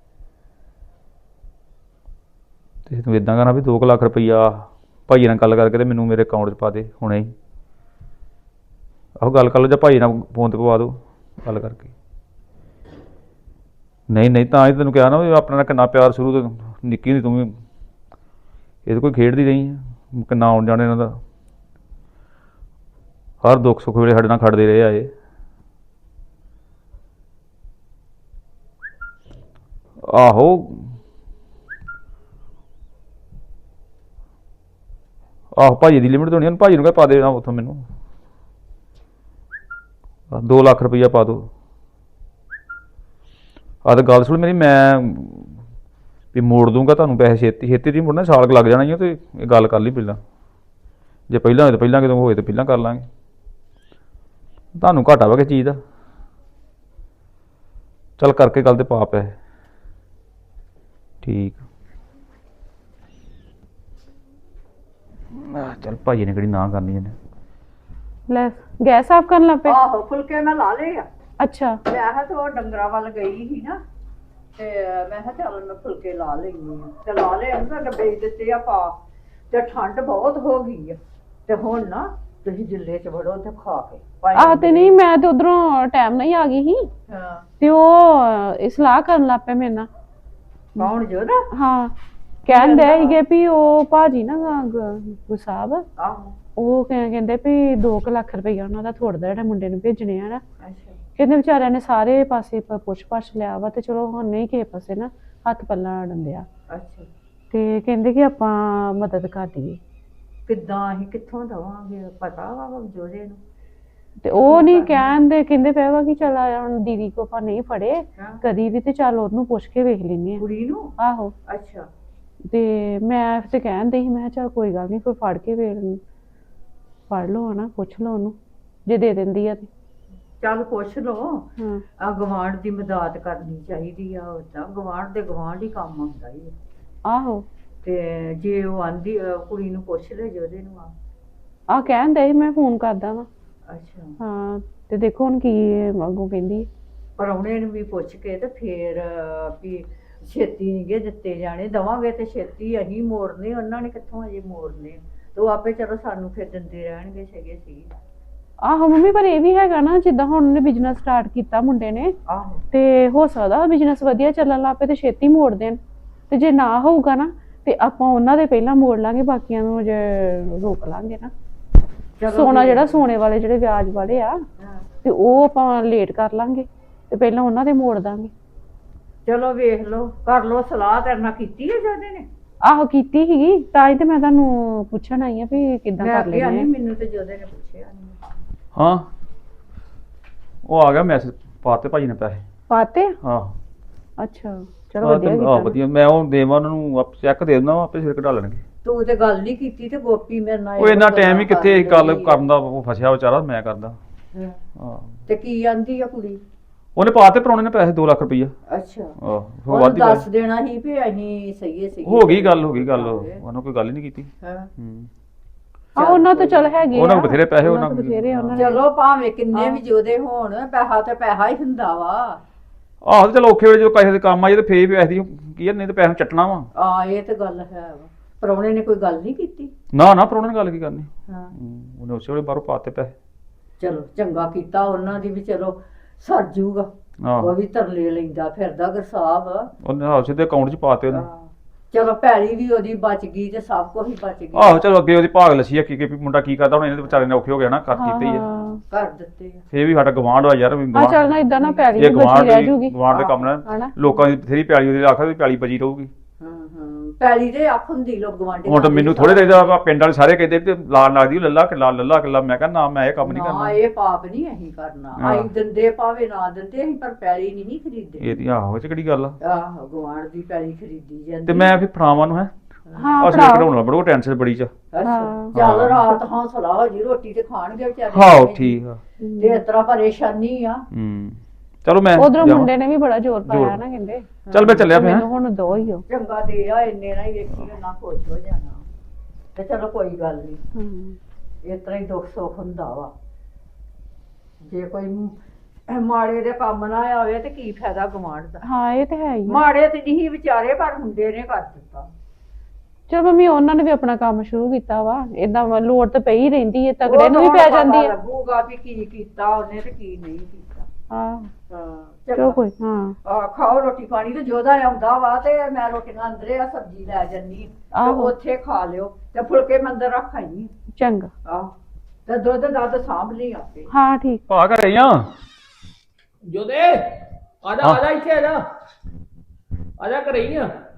ਤੇ ਤੂੰ ਇੱਦਾਂ ਕਰਨਾ ਵੀ 2 ਕੁ ਲੱਖ ਰੁਪਈਆ ਭਾਈ ਨਾਲ ਗੱਲ ਕਰਕੇ ਤੇ ਮੈਨੂੰ ਮੇਰੇ ਅਕਾਊਂਟ 'ਚ ਪਾ ਦੇ ਹੁਣੇ ਹੀ। ਆਹੋ ਗੱਲ ਕਰ ਲਓ, ਜਾਂ ਭਾਈ ਨਾਲ ਫੋਨ 'ਤੇ ਪਵਾ ਦਿਓ ਗੱਲ ਕਰਕੇ। ਨਹੀਂ ਤਾਂ ਹੀ ਤੈਨੂੰ ਕਿਹਾ ਨਾ ਵੀ ਆਪਣੇ ਨਾਲ ਕਿੰਨਾ ਪਿਆਰ ਸ਼ੁਰੂ ਤੋਂ, ਨਿੱਕੀ ਹੁੰਦੀ ਤੂੰ ਵੀ ਇਹਦੇ ਕੋਈ ਖੇਡਦੀ ਰਹੀ ਆ, ਕਿੰਨਾ ਆਉਣ ਜਾਣ ਇਹਨਾਂ ਦਾ। ਹਰ ਦੁੱਖ ਸੁੱਖ ਵੇਲੇ ਸਾਡੇ ਨਾਲ ਖੜਦੇ ਰਹੇ ਆ ਇਹ। ਆਹੋ ਭਾਜੀ ਦੀ ਲਿਮਿਟ ਤੋਂ ਨਹੀਂ, ਭਾਜੀ ਨੂੰ ਕਹਿ ਪਾ ਦੇਣਾ ਉੱਥੋਂ ਮੈਨੂੰ 2 ਲੱਖ ਰੁਪਈਆ ਪਾ ਦਿਓ। ਆਹ ਤਾਂ ਗੱਲ ਸੁਣ ਮੇਰੀ, ਮੈਂ ਵੀ ਮੋੜ ਦੂੰਗਾ ਤੁਹਾਨੂੰ ਪੈਸੇ ਛੇਤੀ ਛੇਤੀ ਨਹੀਂ ਮੁੜਨਾ, ਸਾਲ ਕੁ ਲੱਗ ਜਾਣਾ ਹੀ ਆ। ਤੇ ਇਹ ਗੱਲ ਕਰ ਲਈ ਪਹਿਲਾਂ, ਜੇ ਪਹਿਲਾਂ ਹੋਏ ਤਾਂ ਪਹਿਲਾਂ, ਕਿਦੋਂ ਹੋਏ ਤਾਂ ਪਹਿਲਾਂ ਕਰ ਲਾਂਗੇ। ਤੁਹਾਨੂੰ ਘਾਟਾ ਵਾ ਕਿਸ ਚੀਜ਼ ਦਾ? ਚੱਲ ਕਰਕੇ ਗੱਲ ਤੇ ਪਾ ਪੈਸੇ। ਠੀਕ ਚੱਲ ਭਾਜੀ ਨੇ ਕਿਹੜੀ ਨਾ ਕਰਨੀ ਇਹਨੇ। ਲੈ ਗੈਸ ਸਾਫ਼ ਕਰਨ ਲੱਗ ਪਏ? ਆਹੋ ਫੁਲਕੇ ਮੈਂ ਲਾ ਲਏ ਆ। ਅੱਛਾ ਮੈਂ ਕਿਹਾ ਤੇ ਉਹ ਡੰਗਰਾਂ ਵੱਲ ਗਈ ਸੀ ਨਾ, ਤੇ ਮੈਂ ਕਿਹਾ ਚੱਲ ਮੈਂ ਫੁਲਕੇ ਲਾ ਲੈਂਦੀ ਆ। ਤੇ ਲਾ ਲਏ ਉਹਨਾਂ ਡੱਬੇ ਦਿੱਤੇ ਆ ਪਾ। ਤੇ ਠੰਡ ਬਹੁਤ ਹੋ ਗਈ ਆ, ਤੇ ਹੁਣ ਨਾ ਤੁਸੀਂ ਜਿੱਲੇ ਚ ਵੜੋ ਤੇ ਖਾ ਕੇ ਆਹ ਤੇ ਨਹੀਂ, ਮੈਂ ਤੇ ਉਧਰੋਂ ਟਾਈਮ ਨਹੀਂ ਆ ਗਈ ਸੀ ਹਾਂ ਤੇ ਉਹ ਇਹ ਸਲਾਹ ਕਰਨ ਲੱਗ ਪਏ ਮੇਰੇ ਨਾਲ। ਕੌਣ ਜੋਦਾ? ਹਾਂ, ਕਹਿੰਦੇ ਸੀਗੇ ਵੀ ਉਹ ਭਾਜੀ ਨਾ ਗੁਸਾਬ ਆਹੋ ਉਹ ਕਹਿੰਦੇ ਵੀ 2 ਲੱਖ ਰੁਪਈਆ ਉਹਨਾਂ ਦਾ ਥੋੜਦਾ ਜਿਹੜਾ ਮੁੰਡੇ ਨੂੰ ਭੇਜਣੇ ਆ ਨਾ। ਅੱਛਾ ਕਹਿੰਦੇ ਵਿਚਾਰਿਆਂ ਨੇ ਸਾਰੇ ਪਾਸੇ ਪੁੱਛ ਪਾਛ ਲਿਆ ਵਾ ਤੇ ਚਲੋ ਹੁਣ ਨਹੀਂ ਕਿਸੇ ਪਾਸੇ ਨਾ ਹੱਥ ਪੱਲਾ ਡੰਦਿਆ ਅੱਛਾ ਤੇ ਕਹਿੰਦੇ ਕਿ ਆਪਾਂ ਮਦਦ ਕਰ ਦਈਏ। ਕਿੱਦਾਂ ਅਸੀਂ ਕਿੱਥੋਂ ਦਵਾਂਗੇ? ਪਤਾ ਵਾ ਜੋਦੇ ਨੂੰ? ਤੇ ਉਹ ਨਹੀਂ ਕਹਿੰਦੇ ਪਏ ਵਾ ਕਿ ਚੱਲ ਹੁਣ ਦੀਦੀ ਕੋ ਆਪਾਂ ਨਹੀਂ ਫੜੇ ਹਾਂ। ਕਦੀ ਵੀ ਤੇ ਚੱਲ ਉਹਨੂੰ ਪੁੱਛ ਕੇ ਵੇਖ ਲੈਨੇ ਆ। ਕੁੜੀ ਨੂੰ? ਆਹੋ ਅੱਛਾ ਤੇ ਮੈਂ ਤੇ ਕਹਿੰਦੇ ਸੀ, ਮੈਂ ਕਿਹਾ ਚੱਲ ਕੋਈ ਗੱਲ ਨਹੀਂ, ਕੋਈ ਫੜ ਕੇ ਫੜ ਲਓ ਹਨਾ, ਪੁੱਛ ਲਓ ਉਹਨੂੰ ਜੇ ਦੇ ਦਿੰਦੀ ਆ ਤੇ। ਚੱਲ ਪੁੱਛ ਲਓ। ਹਾਂ ਆ ਗਵਾਂਢ ਦੀ ਮਦਦ ਕਰਨੀ ਚਾਹੀਦੀ ਆ। ਉਦਾਂ ਗਵਾਂਢ ਦੇ ਗਵਾਂਢ ਹੀ ਕੰਮ ਆਉਂਦਾ ਹੀ ਆ। ਆਹੋ ਤੇ ਜੇ ਉਹ ਆਂਦੀ ਕੁੜੀ ਨੂੰ ਪੁੱਛ ਲੈ ਜੋਦੇ ਨੂੰ ਆਹ ਕਹਿੰਦੇ ਸੀ ਮੈਂ ਫੋਨ ਕਰਦਾ ਵਾ। ਅੱਛਾ ਹਾਂ ਤੇ ਦੇਖੋ ਹੁਣ ਕੀ ਅੱਗੋਂ ਕਹਿੰਦੀ ਹੈ। ਪਰਾਹੁਣੇ ਨੂੰ ਵੀ ਪੁੱਛ ਕੇ ਤੇ ਫੇਰ ਵੀ ਛੇਤੀ ਨਹੀਂ ਗੇ ਦਿੱਤੇ ਜਾਣੇ, ਦਵਾਂਗੇ ਤੇ ਛੇਤੀ ਅਸੀਂ ਮੋੜਨੇ, ਉਹਨਾਂ ਨੇ ਕਿੱਥੋਂ ਅਜੇ ਮੋੜਨੇ। ਤੇ ਉਹ ਆਪੇ ਚਲੋ ਸਾਨੂੰ ਫਿਰ ਦਿੰਦੇ ਰਹਿਣਗੇ ਸੀ। ਆਹੋ ਮੰਮੀ, ਪਰ ਇਹ ਵੀ ਹੈਗਾ ਨਾ ਜਿੱਦਾਂ ਹੁਣ ਉਹਨੇ ਬਿਜ਼ਨਸ ਸਟਾਰਟ ਕੀਤਾ ਮੁੰਡੇ ਨੇ ਆਹੋ ਤੇ ਹੋ ਸਕਦਾ ਬਿਜ਼ਨਸ ਵਧੀਆ ਚੱਲਣ ਲੱਗ ਪਏ ਤੇ ਛੇਤੀ ਮੋੜ ਦੇਣ, ਤੇ ਜੇ ਨਾ ਹੋਊਗਾ ਨਾ ਤੇ ਆਪਾਂ ਉਹਨਾਂ ਦੇ ਪਹਿਲਾਂ ਮੋੜ ਲਾਂਗੇ, ਬਾਕੀਆਂ ਨੂੰ ਜੇ ਰੋਕ ਲਾਂਗੇ ਨਾ। ਚਲੋ ਸੋਨਾ ਫਿਰ। ਜਿਹੜਾ ਸੋਨੇ ਵਾਲੇ ਜਿਹੜੇ ਵਿਆਜ ਵਾਲੇ ਆ ਹਾਂ। ਤੇ ਉਹ ਆਪਾਂ ਲੇਟ ਕਰ ਲਾਂਗੇ ਤੇ ਪਹਿਲਾਂ ਉਹਨਾਂ ਦੇ ਮੋੜ ਦਾਂਗੇ। ਚਲੋ ਵੇਖ ਲਓ, ਕਰ ਲਓ ਸਲਾਹ। ਕਰਨਾ ਕੀਤੀ ਹੈ ਜੋਦੇ ਨੇ? ਆਹੋ ਕੀਤੀ ਸੀਗੀ, ਤਾਂ ਹੀ ਤੇ ਮੈਂ ਤੁਹਾਨੂੰ ਪੁੱਛਣ ਆਈ ਆ ਵੀ ਕਿੱਦਾਂ ਮੈਂ ਕਰ ਅੱਗੇ ਲੈਣੇ ਆਨੀ, ਆ। ਮੈਨੂੰ ਤੇ ਜੋਦੇ ਨੇ ਪੁੱਛਿਆ ਨਹੀਂ। ਹਾਂ ਉਹ ਆ ਗਿਆ ਮੈਸੇਜ ਪਾਤੇ ਭਾਜੀ ਨੇ ਪੈਸੇ। ਪਾਤੇ? ਹਾਂ ਅੱਛਾ ਚਲੋ ਵਧੀਆ ਕੀਤਾ ਨਾ। ਵਧੀਆ। ਮੈਂ ਉਹ ਦੇਵਾਂ ਉਹਨਾਂ ਨੂੰ, ਚੈੱਕ ਦੇ ਦਿੰਦਾ, ਆਪੇ ਸਿਰ ਕਢਾ ਲੈਣਗੇ। ਤੂੰ ਤੇ ਗੱਲ ਨਹੀਂ ਕੀਤੀ ਤੇ ਗੋਪੀ ਮੇਰੇ ਨਾਲ ਉਹ ਇੰਨਾ ਇਹੋ ਟਾਈਮ ਹੀ ਗੱਲਾਂ ਕਿੱਥੇ ਗੱਲ ਰਹੀ ਆ। ਕਰਨ ਦਾ, ਉਹ ਫਸਿਆ ਵਿਚਾਰਾ, ਮੈਂ ਕਰਦਾ। ਹਾਂ। ਹਾਂ ਤੇ ਕੀ ਆਂਦੀ ਆ ਕੁੜੀ? ਉਹਨੇ ਪਾਤੇ ਪਰਾਉਣੇ ਨੇ ਪੈਸੇ 2 ਲੱਖ ਰੁਪਈਆ। ਅੱਛਾ ਆਹ ਉਹ ਉਹਨੂੰ ਵਾਧੀ ਦੱਸ ਦੇਣਾ ਸੀ ਵੀ ਅਸੀਂ ਸਹੀ ਹੋ ਗਈ ਗੱਲ ਉਹਨਾਂ ਕੋਈ ਗੱਲ ਹੀ ਨਹੀਂ ਕੀਤੀ। ਹਾਂ ਹੂੰ ਆ ਉਹਨਾਂ ਤੋਂ ਚੱਲ ਹੈਗੇ ਉਹਨਾਂ ਆ, ਕੋਲ ਬਥੇਰੇ ਪੈਸੇ, ਉਹਨਾਂ ਤੋਂ ਬਥੇਰੇ ਆ ਉਹਨਾਂ ਨੇ। ਚਲੋ ਭਾਵੇਂ ਕਿੰਨੇ ਵੀ ਜੋਦੇ ਹੋਣ, ਪੈਸਾ ਤੇ ਪੈਸਾ ਹੀ ਹੁੰਦਾ ਵਾ। ਆਹੋ ਤੇ ਚਲੋ ਔਖੇ ਵੇਲੇ ਜਦੋਂ ਪੈਸੇ ਦੇ ਕੰਮ ਆਏ ਤੇ ਫੇਰ ਪੈਸੇ ਦੀ ਕੀ ਆ, ਨਹੀਂ ਤੇ ਪੈਸੇ ਨੂੰ ਚੱਟਣਾ ਵਾ। ਆ ਇਹ ਤੇ ਗੱਲ ਹੈ ਵਾ। ਪ੍ਰਾਹੁਣੇ ਨੇ ਕੋਈ ਗੱਲ ਨਹੀਂ ਕੀਤੀ? ਨਾ ਪਰਾਉਣੇ ਨੇ ਗੱਲ ਕੀ ਕਰਨੀ। ਹਾਂ ਉਹਨੇ ਉਸੇ ਵੇਲੇ ਬਾਹਰੋਂ ਪਾਤੇ ਪੈਸੇ। ਚਲੋ ਚੰਗਾ ਕੀਤਾ ਉਹਨਾਂ ਦੀ ਵੀ, ਚਲੋ ਸਰ ਜੂਗਾ। ਆਹੋ ਉਹ ਵੀ ਤਰਲੇ ਲੈਂਦਾ ਫਿਰਦਾ ਗੁਰਸਾਹਿਬ। ਉਹਨੇ ਸਿੱਧੇ ਅਕਾਊਂਟ 'ਚ ਪਾਤੇ ਉਹਨੇ। ਹਾਂ। ਚਲੋ ਪੈਲੀ ਵੀ ਉਹਦੀ ਬਚ ਗਈ ਤੇ ਸਭ ਕੁਝ ਹੀ ਬਚ ਗਿਆ। ਆਹੋ ਚਲੋ ਅੱਗੇ ਉਹਦੀ ਭਾਗ ਲੱਸੀ ਆ ਕਿ ਵੀ ਮੁੰਡਾ ਕੀ ਕਰਦਾ, ਹੁਣ ਇਹਨੇ ਤੇ ਵਿਚਾਰੇ ਨੇ ਔਖੇ ਹੋ ਗਿਆ ਨਾ, ਕਰ ਦਿੱਤੇ ਹੀ ਆ। ਹਾਂ ਕਰ ਦਿੱਤੇ ਆ। ਫੇਰ ਵੀ ਸਾਡਾ ਗਵਾਂਢ ਆ ਯਾਰ, ਆ ਚੱਲ ਨਾ ਇਦਾਂ ਨਾ ਪੈਲੀ ਇਹ ਵੀ ਬਚੀ ਰਹਿ ਜੂਗੀ ਗਵਾਂਢ ਦੇ ਕੰਮ ਨਾਲ ਹਨਾ। ਲੋਕਾਂ ਦੀ ਬਥੇਰੀ ਪੈਲੀ, ਉਹਦੀ ਆਖਰ ਦੀ ਪੈਲੀ ਬਚੀ ਰਹੂਗੀ। ਪੈਲੀ ਦੇ ਅੱਖ ਹੁੰਦੀ ਲੋਕ ਗਵਾਂਢੀ। ਹੁਣ ਤਾਂ ਮੈਨੂੰ ਥੋੜੇ ਦੇਦਾ ਪਿੰਡ ਵਾਲੇ ਸਾਰੇ ਕਹਿੰਦੇ ਤੇ ਲਾਲ ਲੱਗਦੀ ਲੱਲਾ ਕਿੱਲਾ। ਮੈਂ ਕਹਿੰਦਾ ਨਾ, ਮੈਂ ਇਹ ਕੰਮ ਨਹੀਂ ਨਾ ਕਰਨਾ। ਇਹ ਪਾਪ ਨਹੀਂ ਅਸੀਂ ਕਰਨਾ। ਹਾਂ। ਅਸੀਂ ਦਿੰਦੇ ਭਾਵੇਂ ਨਾ ਦਿੰਦੇ, ਅਸੀਂ ਪਰ ਪੈਲੀ ਨਹੀਂ ਖਰੀਦਦੇ। ਇਹਦੀ ਆਹੋ ਇਹ 'ਚ ਕਿਹੜੀ ਗੱਲ ਆ। ਆਹੋ ਗਵਾਂਢ ਦੀ ਪੈਲੀ ਖਰੀਦੀ ਜਾਂਦੀ। ਤੇ ਮੈਂ ਫਿਰ ਫੜਾਵਾਂ ਨੂੰ ਹੈ ਹਾਂ ਅਸਲ ਕਢਾਉਣਾ ਬੜੋ ਟੈਨਸ਼ਨ ਬੜੀ ਚ। ਅੱਛਾ ਚੱਲ ਰਾਤ ਹੌਸਲਾ ਹੋ ਜੀ, ਰੋਟੀ ਤੇ ਖਾਣਗੇ ਵਿਚਾਰੇ। ਹਾਂ ਠੀਕ ਆ। ਤੇ ਇਸ ਤਰ੍ਹਾਂ ਪਰੇਸ਼ਾਨੀ ਆ। ਚਲੋ ਮੈਂ ਉਧਰੋਂ ਜਾਵਾਂ। ਮੁੰਡੇ ਨੇ ਵੀ ਬੜਾ ਜ਼ੋਰ ਪਾਇਆ ਨਾ, ਕਹਿੰਦੇ ਚੱਲ ਮੈਂ ਚੱਲਿਆ ਫਿਰ। ਮੈਨੂੰ ਹੁਣ ਦੋ ਹੀ ਹੋ। ਚੰਗਾ ਦੇ ਆ, ਇੰਨੇ ਨਾਲ ਹੀ ਵੇਖੀ ਨਾ ਖੁਸ਼ ਹੋ ਜਾਣਾ। ਤੇ ਚਲੋ ਕੋਈ ਗੱਲ ਨਹੀਂ, ਇਸ ਤਰ੍ਹਾਂ ਹੀ ਦੁੱਖ ਸੁੱਖ ਹੁੰਦਾ ਵਾ। ਜੇ ਕੋਈ ਮਾੜੇ ਦੇ ਕੰਮ ਨਾ ਆਵੇ ਤੇ ਕੀ ਫਾਇਦਾ ਗਵਾਂਢ ਦਾ। ਹਾਂ ਇਹ ਤੇ ਹੈ ਹੀ ਆ। ਮਾੜੇ ਤੇ ਨਹੀਂ ਵਿਚਾਰੇ, ਪਰ ਹੁੰਦੇ ਨੇ ਕਰ ਦਿੱਤਾ। ਚਲ ਮੰਮੀ ਉਹਨਾਂ ਨੇ ਵੀ ਆਪਣਾ ਕੰਮ ਸ਼ੁਰੂ ਕੀਤਾ ਵਾ, ਏਦਾਂ ਲੋੜ ਤਾਂ ਪਈ ਰਹਿੰਦੀ ਹੈ, ਤਗੜੇ ਨੂੰ ਵੀ ਪੈ ਜਾਂਦੀ ਹੈ। ਲੱਗੂਗਾ ਵੀ ਕੀ ਕੀਤਾ ਉਹਨੇ ਤੇ ਕੀ ਨਹੀਂ ਕੀਤਾ। ਹਾਂ ਹਾਂ ਚਲੋ ਚਲੋ ਕੋਈ ਹਾਂ ਖਾਓ ਰੋਟੀ ਪਾਣੀ। ਤੇ ਜੋਦਾ ਆਉਂਦਾ ਵਾ ਤੇ ਮੈਂ ਰੋਟੀਆਂ ਅੰਦਰੇ ਆ ਸਬਜ਼ੀ ਲੈ ਜੰਨੀ ਤੇ ਆਹੋ। ਉੱਥੇ ਖਾ ਲਿਓ ਤੇ ਫੁਲਕੇ ਮੈਂ ਅੰਦਰ ਰੱਖ ਆਈ। ਚੰਗਾ। ਆਹ ਤੇ ਦੁੱਧ ਦੱਧ ਸਾਂਭ ਲਈ ਆਪੇ। ਹਾਂ ਠੀਕ। ਭਾ ਘਰੇ ਆ ਜੋਦੇ ਆ ਜਾ ਇੱਥੇ ਆ ਜਾ ਘਰੇ ਹੀ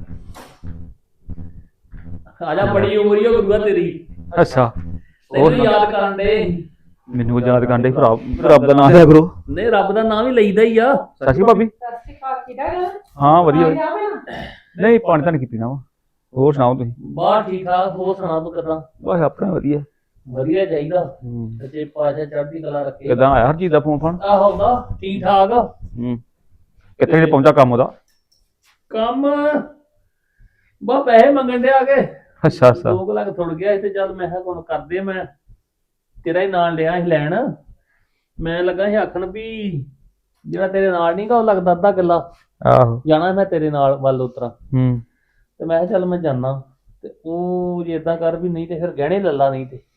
ਆ ਜਾ। ਬੜੀ ਉਮਰ ਹੀ ਹੋ ਗੁਰੂਆ ਤੇਰੀ। ਅੱਛਾ ਤੈਨੂੰ ਯਾਦ ਕਰਨ ਦੇ। ਮੈਨੂੰ ਯਾਦ ਕਰਦੇ ਰੱਬ ਦਾ ਨਾਮ ਲਿਆ ਕਰੋ। ਨਹੀਂ ਰੱਬ ਦਾ ਨਾਮ ਹੀ ਲਈਦਾ ਹੀ ਆ। ਸਤਿ ਸ਼੍ਰੀ ਭਾਬੀ। ਹਾਂ ਵਧੀਆ ਨਹੀਂ ਪਾਣੀ ਤਾਂ ਨਹੀਂ ਕੀਤੀ ਨਾ ਵਾ। ਹੋਰ ਸੁਣਾਓ ਤੁਸੀਂ? ਬਾਹਰ ਠੀਕ ਠਾਕ। ਹੋਰ ਸੁਣਾ ਤੂੰ ਕਿੱਦਾਂ? ਬਸ ਆਪਣਾ ਵਧੀਆ। ਵਧੀਆ ਚਾਹੀਦਾ। ਸੱਚੇ ਪਾਤਸ਼ਾਹ ਚੜ੍ਹਦੀ ਕਲਾ ਰੱਖੇ। ਕਿੱਦਾਂ ਆਇਆ ਹਰਜੀਤ ਦਾ ਫੋਨ? ਆਹੋ ਦਾ ਠੀਕ ਠਾਕ। ਕਿੱਥੇ ਪਹੁੰਚਾ ਕੰਮ ਉਹਦਾ? ਕੰਮ ਬਾ ਪੈਸੇ ਮੰਗਣ ਦੇ ਆ ਕੇ। ਅੱਛਾ 2 ਲੱਖ ਥੁੜ ਗਿਆ ਤੇ ਚੱਲ ਮੈਂ ਕਿਹਾ ਹੁਣ ਕਰਦੇ। ਮੈਂ ਤੇਰਾ ਹੀ ਨਾਂ ਲਿਆ ਸੀ ਲੈਣ। ਮੈਂ ਲੱਗਾ ਸੀ ਆਖਣ ਵੀ ਜਿਹੜਾ ਤੇਰੇ ਨਾਲ ਨੀ ਗਾ ਉਹ ਲੱਗਦਾ ਅੱਧਾ ਕਿੱਲਾ। ਆਹੋ ਜਾਣਾ ਮੈਂ ਤੇਰੇ ਨਾਲ ਵੱਲ ਉਤਰਾ। ਤੇ ਮੈਂ ਕਿਹਾ ਚੱਲ ਮੈਂ ਜਾਣਾ। ਤੇ ਉਹ ਜੇ ਏਦਾਂ ਕਰ ਵੀ ਨਹੀਂ ਤੇ ਫਿਰ ਗਹਿਣੇ ਲੱਲਾ ਨਹੀਂ ਤੇ